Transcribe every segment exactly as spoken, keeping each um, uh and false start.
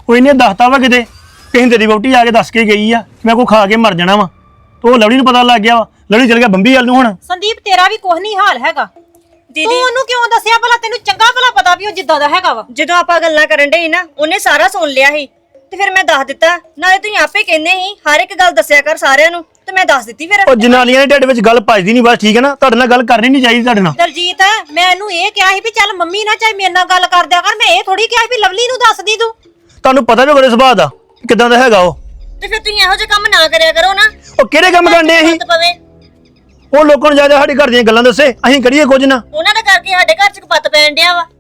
ਕੋਈ ਨਹੀਂ ਦੱਸਤਾ ਵਾ ਕਿਤੇ ਕਿਸੇ ਤੇਰੀ ਵਹੁਟੀ ਆ ਕੇ ਦੱਸ ਕੇ ਗਈ ਆ ਮੈਂ ਕੋ ਖਾ ਕੇ ਮਰ ਜਾਣਾ ਵਾ ਤੇ ਉਹ ਲਵਲੀ ਨੂੰ ਪਤਾ ਲੱਗ ਗਿਆ ਵਾ ਲਵਲੀ ਚਲ ਗਿਆ ਬੰਬੀ ਵੱਲ ਨੂੰ ਹੁਣ ਸੰਦੀਪ ਤੇਰਾ ਵੀ ਕੁਝ ਨਹੀਂ ਹਾਲ ਹੈਗਾ ਦੀਦੀ ਤੂੰ ਉਹਨੂੰ ਕਿਉਂ ਦੱਸਿਆ ਭਲਾ ਤੈਨੂੰ ਚੰਗਾ ਭਲਾ ਪਤਾ ਵੀ ਉਹ ਜਿੱਦਾਂ ਦਾ ਹੈਗਾ ਵਾ ਜਦੋਂ ਆਪਾਂ ਗੱਲਾਂ ਕਰਨ ਡੇ ਨਾ ਉਹਨੇ ਸਾਰਾ ਸੁਣ ਲਿਆ ਸੀ ਤੇ ਫਿਰ ਮੈਂ ਦੱਸ ਦਿੱਤਾ ਨਾਲੇ ਤੁਸੀਂ ਆਪੇ ਕਹਿੰਦੇ ਸੀ ਹਰ ਇੱਕ ਗੱਲ ਦੱਸਿਆ ਕਰ ਸਾਰਿਆਂ ਨੂੰ ਤੇ ਮੈਂ ਦੱਸ ਦਿੱਤੀ ਫਿਰ ਉਹ ਜਨਾਨੀਆਂ ਦੇ ਢਿੱਡ ਵਿੱਚ ਗੱਲ ਭਜਦੀ ਨਹੀਂ ਬਸ ਠੀਕ ਹੈ ਨਾ ਤੁਹਾਡੇ ਨਾਲ ਗੱਲ ਕਰਨੀ ਨਹੀਂ ਚਾਹੀਦੀ ਤੁਹਾਡੇ ਨਾਲ ਦਲਜੀਤ ਮੈਂ ਇਹਨੂੰ ਇਹ ਕਿਹਾ ਸੀ ਵੀ ਚੱਲ ਮੰਮੀ ਨਾਲ ਚਾਹੇ ਮੇਰੇ ਨਾਲ ਗੱਲ ਕਰ ਦਿਆ ਕਰ ਮੈਂ ਇਹ ਥੋੜੀ ਕਿਹਾ ਸੀ ਵੀ ਲਵਲੀ ਨੂੰ ਦੱਸਦੀ ਤੂੰ ਤੁਹਾਨੂੰ ਪਤਾ ਵੀ ਉਹਦੇ ਸੁਭਾਅ ਦਾ ਕਿਦਾਂ ਦਾ ਹੈਗਾ ਉਹ ਤੇ ਫਿਰ ਤੁਸੀਂ ਇਹੋ ਜਿਹੇ ਕੰਮ ਨਾ ਕਰਿਆ ਕਰੋ ਨਾ ਉਹ ਕਿਹੜੇ ਕੰਮ ਕਰਨੇ ਅਸੀਂ ਪਵੇ ਉਹ ਲੋਕਾਂ ਨੂੰ ਜਾ ਜਾ ਸਾਡੇ ਘਰ ਦੀਆਂ ਗੱਲਾਂ ਦੱਸੇ ਅਸੀਂ ਕਰੀਏ ਕੁਝ ਨਾ ਉਹਨਾਂ ਦਾ ਕਰਕੇ ਸਾਡੇ ਘਰ ਚ ਕਪੱਤ ਪੈਣ ਡਿਆ ਵਾ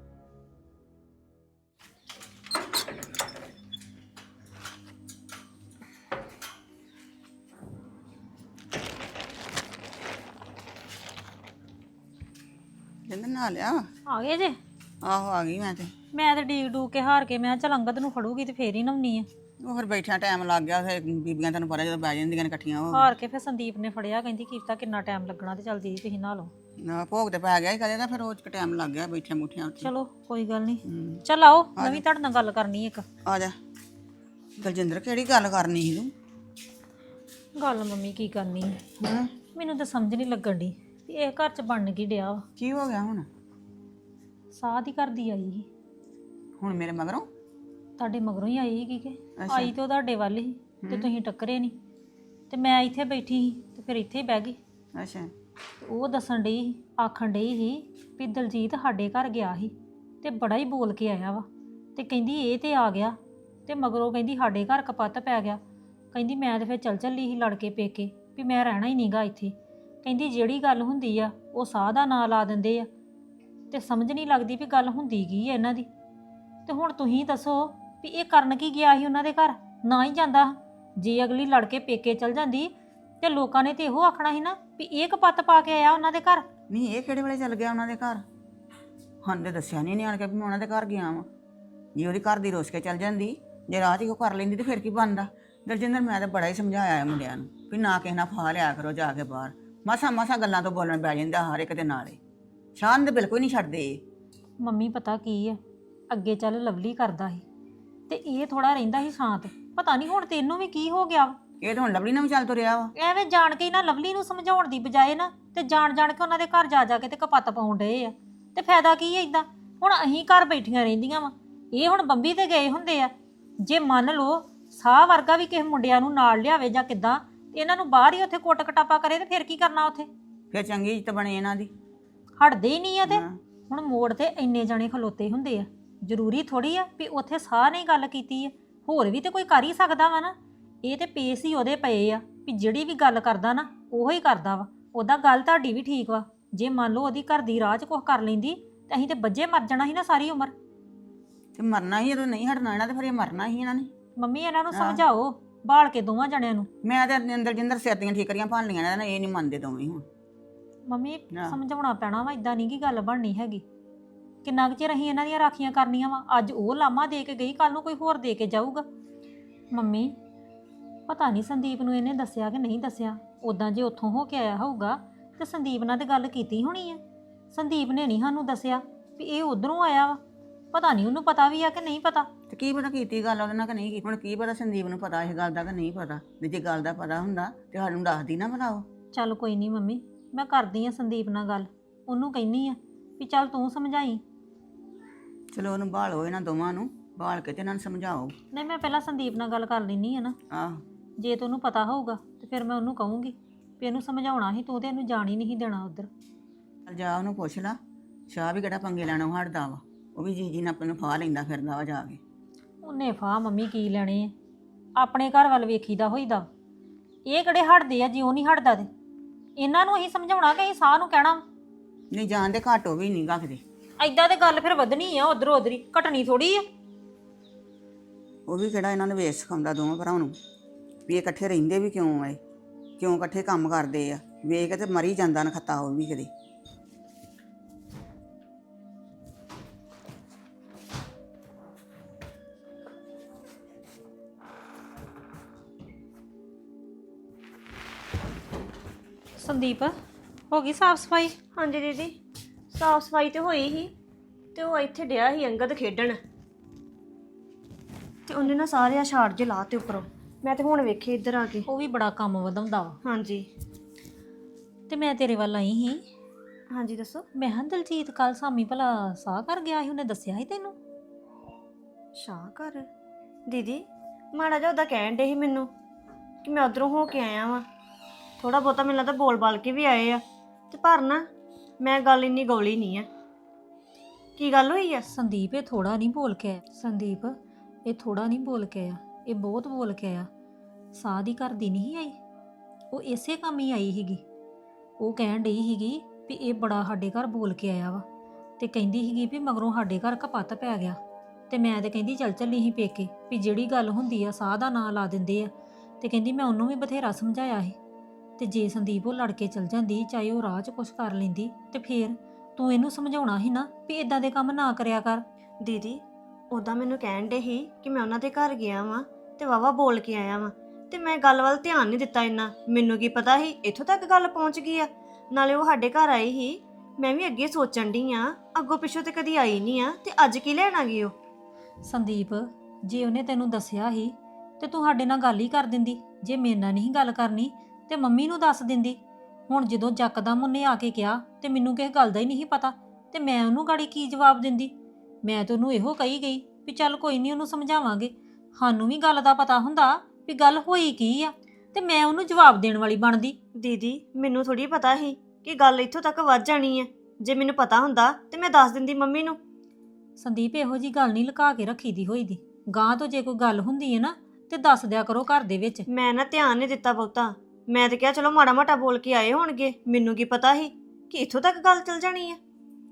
ਜਿੰਦ ਨਾ ਲਿਆ ਆ ਗਏ ਜੇ ਆਹੋ ਆ ਗਈ ਮੈਂ ਤੇ ਮੈਂ ਤੇ ਡੀਕ ਡੂਕ ਕੇ ਹਾਰ ਕੇ ਮੈਂ ਚੱਲ ਅੰਗਦ ਨੂੰ ਫੜੂਗੀ ਤੇ ਫੇਰ ਹੀ ਨਵਨੀ ਆ ਉਹ ਫਿਰ ਬੈਠਿਆ ਟਾਈਮ ਲੱਗ ਗਿਆ ਫਿਰ ਬੀਬੀਆਂ ਤੈਨੂੰ ਪਤਾ ਜਦੋਂ ਬਹਿ ਜਾਂਦੀਆਂ ਨੇ ਇਕੱਠੀਆਂ ਉਹ ਹਾਰ ਕੇ ਫਿਰ ਸੰਦੀਪ ਨੇ ਫੜਿਆ ਕਹਿੰਦੀ ਕੀਤਾ ਕਿੰਨਾ ਟਾਈਮ ਲੱਗਣਾ ਤੇ ਚੱਲ ਦੀਦੀ ਤੁਸੀਂ ਨਹਾ ਲਓ ਨਾ ਭੋਗ ਤੇ ਪੈ ਗਿਆ ਹੀ ਕਦੇ ਤਾਂ ਫਿਰ ਉਹ ਚ ਟਾਈਮ ਲੱਗ ਗਿਆ ਬੈਠਿਆ ਮੁੱਠਿਆਂ ਉੱਤੇ ਚਲੋ ਕੋਈ ਗੱਲ ਨਹੀਂ ਚੱਲ ਆਓ ਮੈਂ ਵੀ ਤੁਹਾਡੇ ਨਾਲ ਗੱਲ ਕਰਨੀ ਇੱਕ ਆ ਜਾ ਦਲਜਿੰਦਰ ਕਿਹੜੀ ਗੱਲ ਕਰਨੀ ਸੀ ਤੂੰ ਗੱਲ ਮੰਮੀ ਕੀ ਕਰਨੀ ਹਾਂ ਮੈਨੂੰ ਤਾਂ ਸਮਝ ਨਹੀਂ ਲੱਗਣ ਦੀ ਵੀ ਇਹ ਘਰ ਚ ਬਣ ਕੀ ਡਿਆ ਵਾ ਕੀ ਹੋ ਗਿਆ ਹੁਣ ਸਾਹ ਦੀ ਕਰਦੀ ਆਈ ਸੀ ਹੁਣ ਮੇਰੇ ਮਗਰੋਂ ਤੁਹਾਡੇ ਮਗਰੋਂ ਹੀ ਆਈ ਸੀ ਕਿ ਆਈ ਤੇ ਉਹ ਤੁਹਾਡੇ ਵੱਲ ਹੀ ਤੇ ਤੁਸੀਂ ਟੱਕਰੇ ਨਹੀਂ ਤੇ ਮੈਂ ਇੱਥੇ ਬੈਠੀ ਸੀ ਤੇ ਫਿਰ ਇੱਥੇ ਹੀ ਬਹਿ ਗਈ ਅੱਛਾ ਉਹ ਦੱਸਣ ਡਈ ਸੀ ਆਖਣ ਡਈ ਸੀ ਵੀ ਦਲਜੀਤ ਸਾਡੇ ਘਰ ਗਿਆ ਸੀ ਤੇ ਬੜਾ ਹੀ ਬੋਲ ਕੇ ਆਇਆ ਵਾ ਤੇ ਕਹਿੰਦੀ ਇਹ ਤੇ ਆ ਗਿਆ ਤੇ ਮਗਰੋਂ ਕਹਿੰਦੀ ਸਾਡੇ ਘਰ ਕਪੱਤ ਪੈ ਗਿਆ ਕਹਿੰਦੀ ਮੈਂ ਤੇ ਫਿਰ ਚੱਲ ਚੱਲੀ ਸੀ ਲੜ ਕੇ ਪੇਕੇ ਵੀ ਮੈਂ ਰਹਿਣਾ ਹੀ ਨਹੀਂਗਾ ਇੱਥੇ ਕਹਿੰਦੀ ਜਿਹੜੀ ਗੱਲ ਹੁੰਦੀ ਆ ਉਹ ਸਾਹ ਦਾ ਨਾਂ ਲਾ ਦਿੰਦੇ ਆ ਤੇ ਸਮਝ ਨਹੀਂ ਲੱਗਦੀ ਵੀ ਗੱਲ ਹੁੰਦੀ ਕੀ ਹੈ ਇਹਨਾਂ ਦੀ ਤੇ ਹੁਣ ਤੁਸੀਂ ਦੱਸੋ ਵੀ ਇਹ ਕਰਨ ਕੀ ਗਿਆ ਸੀ ਉਹਨਾਂ ਦੇ ਘਰ ਨਾ ਹੀ ਜਾਂਦਾ ਜੇ ਅਗਲੀ ਲੜ ਕੇ ਪੇਕੇ ਚਲ ਜਾਂਦੀ ਤੇ ਲੋਕਾਂ ਨੇ ਤੇ ਇਹੋ ਆਖਣਾ ਸੀ ਨਾ ਵੀ ਇਹ ਕਪੱਤ ਪਾ ਕੇ ਆਇਆ ਉਹਨਾਂ ਦੇ ਘਰ ਨਹੀਂ ਇਹ ਕਿਹੜੇ ਵੇਲੇ ਚੱਲ ਗਿਆ ਉਹਨਾਂ ਦੇ ਘਰ ਹਾਂ ਤੇ ਦੱਸਿਆ ਨਹੀਂ ਨਿਆਣ ਕੇ ਵੀ ਮੈਂ ਉਹਨਾਂ ਦੇ ਘਰ ਗਿਆ ਵਾਂ ਜੇ ਉਹਦੀ ਘਰ ਦੀ ਰੋਸ ਕੇ ਚੱਲ ਜਾਂਦੀ ਜੇ ਰਾਹ 'ਚ ਉਹ ਕਰ ਲੈਂਦੀ ਤੇ ਫਿਰ ਕੀ ਬਣਦਾ ਦਲਜਿੰਦਰ ਮੈਂ ਤਾਂ ਬੜਾ ਹੀ ਸਮਝਾਇਆ ਹੈ ਮੁੰਡਿਆਂ ਨੂੰ ਵੀ ਨਾ ਕਿਸੇ ਨਾਲ ਫਾ ਲਿਆ ਕਰੋ ਜਾ ਕੇ ਬਾਹਰ ਮਸਾ ਮਸਾ ਗੱਲਾਂ ਤੋਂ ਬੋਲਣ ਬੈ ਜਾਂਦਾ ਹਰ ਇੱਕ ਦੇ ਨਾਲੇ ਸ਼ਾਨ ਦੇ ਬਿਲਕੁਲ ਨਹੀਂ ਛੱਡਦੇ ਮੰਮੀ ਪਤਾ ਕੀ ਹੈ ਅੱਗੇ ਚੱਲ ਲਵਲੀ ਕਰਦਾ ਸੀ ਤੇ ਇਹ ਥੋੜਾ ਰਹਿੰਦਾ ਸੀ ਸ਼ਾਂਤ ਪਤਾ ਨਹੀਂ ਹੁਣ ਤੈਨੂੰ ਵੀ ਕੀ ਹੋ ਗਿਆ ਇਹ ਤਾਂ ਹੁਣ ਲਵਲੀ ਨਾਲ ਵੀ ਚੱਲ ਤੁਰਿਆ ਵਾ ਐਵੇਂ ਜਾਣ ਕੇ ਹੀ ਨਾ ਲਵਲੀ ਨੂੰ ਸਮਝਾਉਣ ਦੀ ਬਜਾਏ ਨਾ ਤੇ ਜਾਣ ਜਾਣ ਕੇ ਉਹਨਾਂ ਦੇ ਘਰ ਜਾ ਜਾ ਕੇ ਤੇ ਕਪੱਤ ਪਾਉਣ ਡਏ ਆ ਤੇ ਫਾਇਦਾ ਕੀ ਹੈ ਇਦਾਂ ਹੁਣ ਅਸੀਂ ਘਰ ਬੈਠੀਆਂ ਰਹਿੰਦੀਆਂ ਵਾ ਇਹ ਹੁਣ ਬੰਬੀ ਤੇ ਗਏ ਹੁੰਦੇ ਆ ਜੇ ਮੰਨ ਲਓ ਸਾਹ ਵਰਗਾ ਵੀ ਕਿਸੇ ਮੁੰਡਿਆਂ ਨੂੰ ਨਾਲ ਲਿਆਵੇ ਜਾਂ ਕਿੱਦਾਂ ਇਹਨਾਂ ਨੂੰ ਬਾਹਰ ਹੀ ਉੱਥੇ ਕੁੱਟ ਕਟਾਪਾ ਕਰੇ ਤੇ ਫਿਰ ਕੀ ਕਰਨਾ ਉੱਥੇ ਫਿਰ ਚੰਗੀ ਇੱਜ਼ਤ ਬਣੇ ਇਹਨਾਂ ਦੀ ਹਟਦੇ ਹੀ ਨਹੀਂ ਆ ਤੇ ਹੁਣ ਮੋੜ ਤੇ ਇੰਨੇ ਜਣੇ ਖਲੋਤੇ ਹੁੰਦੇ ਆ ਜ਼ਰੂਰੀ ਥੋੜੀ ਆ ਵੀ ਉੱਥੇ ਸਾਹ ਨੇ ਗੱਲ ਕੀਤੀ ਆ ਹੋਰ ਵੀ ਤੇ ਕੋਈ ਕਰ ਹੀ ਸਕਦਾ ਵਾ ਨਾ ਇਹ ਤੇ ਪੇਸ ਹੀ ਉਹਦੇ ਪਏ ਆ ਵੀ ਜਿਹੜੀ ਵੀ ਗੱਲ ਕਰਦਾ ਨਾ ਉਹੋ ਹੀ ਕਰਦਾ ਵਾ ਉਹਦਾ ਗੱਲ ਤੁਹਾਡੀ ਵੀ ਠੀਕ ਵਾ ਜੇ ਮੰਨ ਲਓ ਉਹਦੀ ਘਰ ਦੀ ਰਾਹ 'ਚ ਕੁਝ ਕਰ ਲੈਂਦੀ ਤੇ ਅਸੀਂ ਤੇ ਬੱਜੇ ਮਰ ਜਾਣਾ ਸੀ ਨਾ ਸਾਰੀ ਉਮਰ ਤੇ ਮਰਨਾ ਹੀ ਜਦੋਂ ਨਹੀਂ ਹਟਣਾ ਇਹਨਾਂ ਤੇ ਫਿਰ ਇਹ ਮਰਨਾ ਹੀ ਇਹਨਾਂ ਨੇ ਮੰਮੀ ਇਹਨਾਂ ਨੂੰ ਸਮਝਾਓ ਬਾਲ ਕੇ ਦੋਵਾਂ ਜਣਿਆਂ ਨੂੰ ਮੈਂ ਤੇ ਅੰਦਰ ਜਿੰਦਰ ਸਿਰ ਦੀਆਂ ਠੀਕਰੀਆਂ ਭੰਨ ਲੀਆਂ ਇਹਨਾਂ ਨੇ ਇਹ ਨਹੀਂ ਮੰਨਦੇ ਦੋਵੇਂ ਹੁਣ ਮੰਮੀ ਸਮਝਾਉਣਾ ਪੈਣਾ ਵਾ ਇਦਾਂ ਨਹੀਂ ਕੀ ਗੱਲ ਬਣਨੀ ਹੈਗੀ ਕਿੰਨਾ ਕੁ ਚਿਰ ਅਸੀਂ ਇਹਨਾਂ ਦੀਆਂ ਰਾਖੀਆਂ ਕਰਨੀਆਂ ਵਾ ਅੱਜ ਉਹ ਲਾਮਾ ਦੇ ਕੇ ਗਈ ਕੱਲ ਨੂੰ ਕੋਈ ਹੋਰ ਦੇ ਕੇ ਜਾਊਗਾ ਮੰਮੀ ਪਤਾ ਨਹੀਂ ਸੰਦੀਪ ਨੂੰ ਇਹਨੇ ਦੱਸਿਆ ਕਿ ਨਹੀਂ ਦੱਸਿਆ ਉਦਾਂ ਜੇ ਉੱਥੋਂ ਹੋ ਕੇ ਆਇਆ ਹੋਊਗਾ ਤੇ ਸੰਦੀਪ ਨਾਲ ਤੇ ਗੱਲ ਕੀਤੀ ਹੋਣੀ ਆ ਸੰਦੀਪ ਨੇ ਨਹੀਂ ਸਾਨੂੰ ਦੱਸਿਆ ਵੀ ਇਹ ਉਧਰੋਂ ਆਇਆ ਵਾ ਪਤਾ ਨਹੀਂ ਉਹਨੂੰ ਪਤਾ ਵੀ ਆ ਕਿ ਨਹੀਂ ਪਤਾ ਤੇ ਕੀ ਪਤਾ ਕੀਤੀ ਗੱਲ ਉਹਦੇ ਨਾਲ ਕਿ ਨਹੀਂ ਕੀਤੀ ਹੁਣ ਕੀ ਪਤਾ ਸੰਦੀਪ ਨੂੰ ਪਤਾ ਇਸ ਗੱਲ ਦਾ ਕਿ ਨਹੀਂ ਪਤਾ ਤੇ ਜੇ ਗੱਲ ਦਾ ਪਤਾ ਹੁੰਦਾ ਤੇ ਸਾਨੂੰ ਦੱਸਦੀ ਨਾ ਬਣਾਓ ਚੱਲ ਕੋਈ ਨਹੀਂ ਮੰਮੀ ਮੈਂ ਕਰਦੀ ਆ ਸੰਦੀਪ ਨਾਲ ਗੱਲ ਉਹਨੂੰ ਕਹਿੰਨੀ ਆ ਵੀ ਚੱਲ ਤੂੰ ਸਮਝਾਈ ਚਲੋ ਉਹਨੂੰ ਭਾਲੋ ਇਹਨਾਂ ਦੋਵਾਂ ਨੂੰ ਭਾਲ ਕੇ ਤੇ ਇਹਨਾਂ ਨੂੰ ਸਮਝਾਓ ਨਹੀਂ ਮੈਂ ਪਹਿਲਾਂ ਸੰਦੀਪ ਨਾਲ ਗੱਲ ਕਰ ਲੈਣੀ ਆ ਨਾ ਆਹ ਜੇ ਤੈਨੂੰ ਪਤਾ ਹੋਊਗਾ ਤੇ ਫਿਰ ਮੈਂ ਉਹਨੂੰ ਕਹੂੰਗੀ ਵੀ ਇਹਨੂੰ ਸਮਝਾਉਣਾ ਸੀ ਤੂੰ ਤੇ ਇਹਨੂੰ ਜਾਣ ਹੀ ਨਹੀਂ ਦੇਣਾ ਉਧਰ ਜਾ ਉਹਨੂੰ ਪੁੱਛ ਲਾ ਸ਼ਾਹ ਵੀ ਕਿਹੜਾ ਪੰਗੇ ਲੈਣੋਂ ਹਟਦਾ ਵਾ ਉਹ ਵੀ ਜੀ ਜੀ ਨਾਲ ਨੂੰ ਫਾਹ ਲੈਂਦਾ ਫਿਰਦਾ ਵਾ ਜਾ ਕੇ ਉਹਨੇ ਫਾਹ ਮੰਮੀ ਕੀ ਲੈਣੇ ਆ ਆਪਣੇ ਘਰ ਵੱਲ ਵੇਖੀਦਾ ਹੋਈਦਾ ਇਹ ਕਿਹੜੇ ਹਟਦੇ ਆ ਜੇ ਉਹ ਨਹੀਂ ਹਟਦਾ ਤੇ ਇਹਨਾਂ ਨੂੰ ਅਸੀਂ ਸਮਝਾਉਣਾ ਕਿ ਅਸੀਂ ਸਾਹ ਨੂੰ ਕਹਿਣਾ ਨਹੀਂ ਜਾਣਦੇ ਘਾਟੋ ਵੀ ਨਹੀਂ ਗਾਖਦੇ ਐਦਾਂ ਤੇ ਗੱਲ ਫਿਰ ਵਧਣੀ ਆ ਉਧਰੋਂ ਉਧਰ ਹੀ ਘਟਣੀ ਥੋੜੀ ਆ ਉਹ ਵੀ ਕਿਹੜਾ ਇਹਨਾਂ ਨੂੰ ਵੇਚ ਸਿਖਾਉਂਦਾ ਦੋਵਾਂ ਭਰਾਵਾਂ ਨੂੰ ਵੀ ਇਹ ਇਕੱਠੇ ਰਹਿੰਦੇ ਵੀ ਕਿਉਂ ਐ ਕਿਉਂ ਇਕੱਠੇ ਕੰਮ ਕਰਦੇ ਆ ਵੇਖ ਕੇ ਤੇ ਮਰੀ ਜਾਂਦਾ ਨਖੱਤਾ ਉਹ ਵੀ ਕਦੇ ਸੰਦੀਪ ਹੋ ਗਈ ਸਾਫ ਸਫਾਈ ਹਾਂਜੀ ਦੀਦੀ ਸਾਫ ਸਫਾਈ ਤੇ ਹੋਈ ਸੀ ਤੇ ਉਹ ਇੱਥੇ ਡਿਆ ਸੀ ਅੰਗਦ ਖੇਡਣ ਤੇ ਉਹਨੇ ਨਾ ਸਾਰੇ ਆ ਛਾੜ ਜੇ ਲਾਤੇ ਉੱਪਰੋਂ। ਮੈਂ ਤੇ ਹੁਣ ਵੇਖੇ ਇੱਧਰ ਆ ਕੇ। ਉਹ ਵੀ ਬੜਾ ਕੰਮ ਵਧਾਉਂਦਾ ਵਾ। ਹਾਂਜੀ ਤੇ ਮੈਂ ਤੇਰੇ ਵੱਲ ਆਈ ਸੀ। ਹਾਂਜੀ ਦੱਸੋ। ਮੈਂ ਹਾਂ ਦਲਜੀਤ ਕੱਲ ਸਾਮੀ ਭਲਾ ਸਾਹ ਕਰ ਗਿਆ ਸੀ, ਉਹਨੇ ਦੱਸਿਆ ਸੀ ਤੈਨੂੰ? ਸ਼ਾਹ ਘਰ ਦੀਦੀ ਮਾੜਾ ਜਿਹਾ ਉਹਦਾ ਕਹਿਣ ਡੇ ਸੀ ਮੈਨੂੰ ਕਿ ਮੈਂ ਉਧਰੋਂ ਹੋ ਕੇ ਆਇਆ ਵਾਂ। ਥੋੜਾ ਬਹੁਤਾ ਮੈਨੂੰ ਲੱਗਦਾ ਬੋਲ ਬਾਲ ਕੇ ਵੀ ਆਏ ਆ, ਤੇ ਪਰ ਨਾ ਮੈਂ ਗੱਲ ਇੰਨੀ ਗੌਲੀ ਨਹੀਂ ਆ। ਕੀ ਗੱਲ ਹੋਈ ਆ? ਸੰਦੀਪ ਇਹ ਥੋੜਾ ਨਹੀਂ ਬੋਲ ਕੇ ਆਇਆ। ਸੰਦੀਪ ਇਹ ਥੋੜਾ ਨਹੀਂ ਬੋਲ ਕੇ ਆਇਆ, ਇਹ ਬਹੁਤ ਬੋਲ ਕੇ ਆਇਆ। ਸਾਹ ਦੀ ਘਰ ਦੀ ਨਹੀਂ ਆਈ, ਉਹ ਇਸੇ ਕੰਮ ਹੀ ਆਈ ਸੀਗੀ। ਉਹ ਕਹਿਣ ਡਈ ਸੀਗੀ ਵੀ ਇਹ ਬੜਾ ਸਾਡੇ ਘਰ ਬੋਲ ਕੇ ਆਇਆ ਵਾ, ਤੇ ਕਹਿੰਦੀ ਸੀਗੀ ਵੀ ਮਗਰੋਂ ਸਾਡੇ ਘਰ ਕਪੱਤ ਪੈ ਗਿਆ। ਤੇ ਮੈਂ ਤੇ ਕਹਿੰਦੀ ਚੱਲ ਚੱਲੀ ਸੀ ਪੇਕੇ, ਵੀ ਜਿਹੜੀ ਗੱਲ ਹੁੰਦੀ ਆ ਸਾਹ ਦਾ ਨਾਂ ਲਾ ਦਿੰਦੇ ਆ। ਤੇ ਕਹਿੰਦੀ ਮੈਂ ਉਹਨੂੰ ਵੀ ਬਥੇਰਾ ਸਮਝਾਇਆ ਸੀ, ਤੇ ਜੇ ਸੰਦੀਪ ਉਹ ਲੜ ਕੇ ਚਲ ਜਾਂਦੀ, ਚਾਹੇ ਉਹ ਰਾਹ 'ਚ ਕੁਛ ਕਰ ਲੈਂਦੀ, ਤੇ ਫੇਰ ਤੂੰ ਇਹਨੂੰ ਸਮਝਾਉਣਾ ਸੀ ਨਾ ਵੀ ਇਦਾਂ ਦੇ ਕੰਮ ਨਾ ਕਰਿਆ ਕਰ। ਦੀਦੀ ਉਦਾਂ ਮੈਨੂੰ ਕਹਿਣ ਡੇ ਸੀ ਕਿ ਮੈਂ ਉਹਨਾਂ ਦੇ ਘਰ ਗਿਆ ਵਾਂ ਤੇ ਵਾਵਾ ਬੋਲ ਕੇ ਆਇਆ ਵਾਂ, ਤੇ ਮੈਂ ਗੱਲ ਵੱਲ ਧਿਆਨ ਨਹੀਂ ਦਿੱਤਾ ਇੰਨਾ। ਮੈਨੂੰ ਕੀ ਪਤਾ ਸੀ ਇੱਥੋਂ ਤੱਕ ਗੱਲ ਪਹੁੰਚ ਗਈ ਆ। ਨਾਲੇ ਉਹ ਸਾਡੇ ਘਰ ਆਈ ਸੀ, ਮੈਂ ਵੀ ਅੱਗੇ ਸੋਚਣ ਡਈ ਆ, ਅੱਗੋਂ ਪਿੱਛੋਂ ਤੇ ਕਦੀ ਆਈ ਨਹੀਂ ਆ, ਤੇ ਅੱਜ ਕੀ ਲੈਣ ਆ ਗਈ ਉਹ? ਸੰਦੀਪ ਜੇ ਉਹਨੇ ਤੈਨੂੰ ਦੱਸਿਆ ਸੀ ਤੇ ਤੂੰ ਸਾਡੇ ਨਾਲ ਗੱਲ ਹੀ ਕਰ ਦਿੰਦੀ। ਜੇ ਮੇਰੇ ਨਾਲ ਨਹੀਂ ਗੱਲ ਕਰਨੀ ਤੇ ਮੰਮੀ ਨੂੰ ਦੱਸ ਦਿੰਦੀ। ਹੁਣ ਜਦੋਂ ਜੱਕਦਮ ਉਹਨੇ ਆ ਕੇ ਕਿਹਾ ਤੇ ਮੈਨੂੰ ਕਿਸੇ ਗੱਲ ਦਾ ਹੀ ਨਹੀਂ ਪਤਾ, ਤੇ ਮੈਂ ਉਹਨੂੰ ਗਾੜੀ ਕੀ ਜਵਾਬ ਦਿੰਦੀ? ਮੈਂ ਤਾਂ ਉਹਨੂੰ ਇਹੋ ਕਹੀ ਗਈ ਵੀ ਚੱਲ ਕੋਈ ਨਹੀਂ, ਉਹਨੂੰ ਸਮਝਾਵਾਂਗੇ। ਸਾਨੂੰ ਵੀ ਗੱਲ ਦਾ ਪਤਾ ਹੁੰਦਾ ਵੀ ਗੱਲ ਹੋਈ ਕੀ ਆ, ਤੇ ਮੈਂ ਉਹਨੂੰ ਜਵਾਬ ਦੇਣ ਵਾਲੀ ਬਣਦੀ। ਦੀਦੀ ਮੈਨੂੰ ਥੋੜੀ ਪਤਾ ਸੀ ਕਿ ਗੱਲ ਇੱਥੋਂ ਤੱਕ ਵੱਧ ਜਾਣੀ ਹੈ। ਜੇ ਮੈਨੂੰ ਪਤਾ ਹੁੰਦਾ ਤੇ ਮੈਂ ਦੱਸ ਦਿੰਦੀ ਮੰਮੀ ਨੂੰ। ਸੰਦੀਪ ਇਹੋ ਜੀ ਗੱਲ ਨਹੀਂ ਲੁਕਾ ਕੇ ਰੱਖੀ ਦੀ ਹੋਈ ਦੀ। ਗਾਂ ਤੋਂ ਜੇ ਕੋਈ ਗੱਲ ਹੁੰਦੀ ਹੈ ਨਾ ਤੇ ਦੱਸ ਦਿਆ ਕਰੋ ਘਰ ਦੇ ਵਿੱਚ। ਮੈਂ ਨਾ ਧਿਆਨ ਨਹੀਂ ਦਿੱਤਾ ਬਹੁਤਾ। ਮੈਂ ਤੇ ਕਿਹਾ ਚਲੋ ਮਾੜਾ ਮਾਟਾ ਬੋਲ ਕੇ ਆਏ ਹੋਣਗੇ, ਮੈਨੂੰ ਕੀ ਪਤਾ ਸੀ ਕਿ ਇੱਥੋਂ ਤੱਕ ਗੱਲ ਚੱਲ ਜਾਣੀ ਹੈ।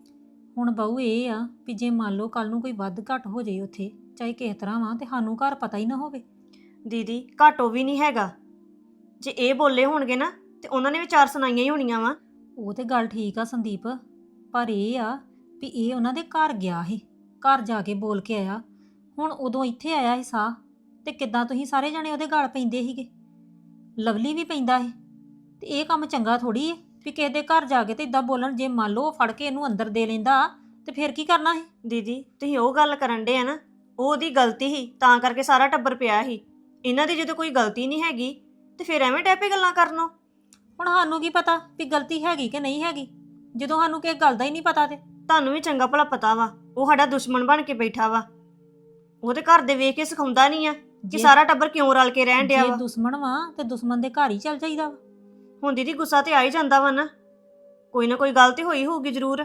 ਹੁਣ ਬਹੂ ਇਹ ਆ ਵੀ ਜੇ ਮੰਨ ਲਓ ਕੱਲ ਨੂੰ ਕੋਈ ਵੱਧ ਘੱਟ ਹੋ ਜਾਏ ਉੱਥੇ, ਚਾਹੇ ਕਿਸ ਤਰ੍ਹਾਂ ਵਾ, ਤੇ ਸਾਨੂੰ ਘਰ ਪਤਾ ਹੀ ਨਾ ਹੋਵੇ। ਦੀਦੀ ਘਾਟੋ ਵੀ ਨਹੀਂ ਹੈਗਾ। ਜੇ ਇਹ ਬੋਲੇ ਹੋਣਗੇ ਨਾ ਤੇ ਉਹਨਾਂ ਨੇ ਵੀ ਚਾਰ ਸੁਣਾਈਆਂ ਹੀ ਹੋਣੀਆਂ ਵਾ। ਉਹ ਤੇ ਗੱਲ ਠੀਕ ਆ ਸੰਦੀਪ, ਪਰ ਇਹ ਆ ਵੀ ਇਹ ਉਹਨਾਂ ਦੇ ਘਰ ਗਿਆ ਸੀ, ਘਰ ਜਾ ਕੇ ਬੋਲ ਕੇ ਆਇਆ। ਹੁਣ ਉਦੋਂ ਇੱਥੇ ਆਇਆ ਸੀ ਸਾਹ, ਤੇ ਕਿੱਦਾਂ ਤੁਸੀਂ ਸਾਰੇ ਜਣੇ ਉਹਦੇ ਗਲ ਪੈਂਦੇ ਸੀਗੇ। ਲਵਲੀ ਵੀ ਪੈਂਦਾ ਸੀ, ਤੇ ਇਹ ਕੰਮ ਚੰਗਾ ਥੋੜੀ ਹੈ ਵੀ ਕਿਸੇ ਦੇ ਘਰ ਜਾ ਕੇ ਤੇ ਇਦਾਂ ਬੋਲਣ। ਜੇ ਮੰਨ ਲਓ ਫੜ ਕੇ ਇਹਨੂੰ ਅੰਦਰ ਦੇ ਲੈਂਦਾ ਤੇ ਫਿਰ ਕੀ ਕਰਨਾ ਸੀ? ਦੀਦੀ ਤੁਸੀਂ ਉਹ ਗੱਲ ਕਰਨ ਡੇ ਆ ਨਾ, ਉਹ ਉਹਦੀ ਗਲਤੀ ਸੀ, ਤਾਂ ਕਰਕੇ ਸਾਰਾ ਟੱਬਰ ਪਿਆ ਸੀ। ਇਹਨਾਂ ਦੀ ਜਦੋਂ ਕੋਈ ਗਲਤੀ ਨਹੀਂ ਹੈਗੀ ਤੇ ਫਿਰ ਐਵੇਂ ਡੈਪੇ ਗੱਲਾਂ ਕਰਨੋਂ। ਹੁਣ ਸਾਨੂੰ ਕੀ ਪਤਾ ਵੀ ਗਲਤੀ ਹੈਗੀ ਕਿ ਨਹੀਂ ਹੈਗੀ, ਜਦੋਂ ਸਾਨੂੰ ਕਿਸੇ ਗੱਲ ਦਾ ਹੀ ਨਹੀਂ ਪਤਾ। ਤੇ ਤੁਹਾਨੂੰ ਵੀ ਚੰਗਾ ਭਲਾ ਪਤਾ ਵਾ ਉਹ ਸਾਡਾ ਦੁਸ਼ਮਣ ਬਣ ਕੇ ਬੈਠਾ ਵਾ। ਉਹਦੇ ਘਰ ਦੇ ਵੇਖ ਕੇ ਸਿਖਾਉਂਦਾ ਨਹੀਂ ਆ ਕਿ ਸਾਰਾ ਟੱਬਰ ਕਿਉਂ ਰਲ ਕੇ ਰਹਿਣ ਡਿਆ ਜੇ ਵਾ। ਦੁਸ਼ਮਣ ਵਾ ਤੇ ਦੁਸ਼ਮਣ ਦੇ ਘਰ ਹੀ ਚੱਲ ਜਾਈਦਾ ਵਾ। ਹੁਣ ਦੀਦੀ ਗੁੱਸਾ ਤੇ ਆ ਹੀ ਜਾਂਦਾ ਵਾ ਨਾ, ਕੋਈ ਨਾ ਕੋਈ ਗੱਲ ਤੇ ਹੋਈ ਹੋਊਗੀ ਜ਼ਰੂਰ।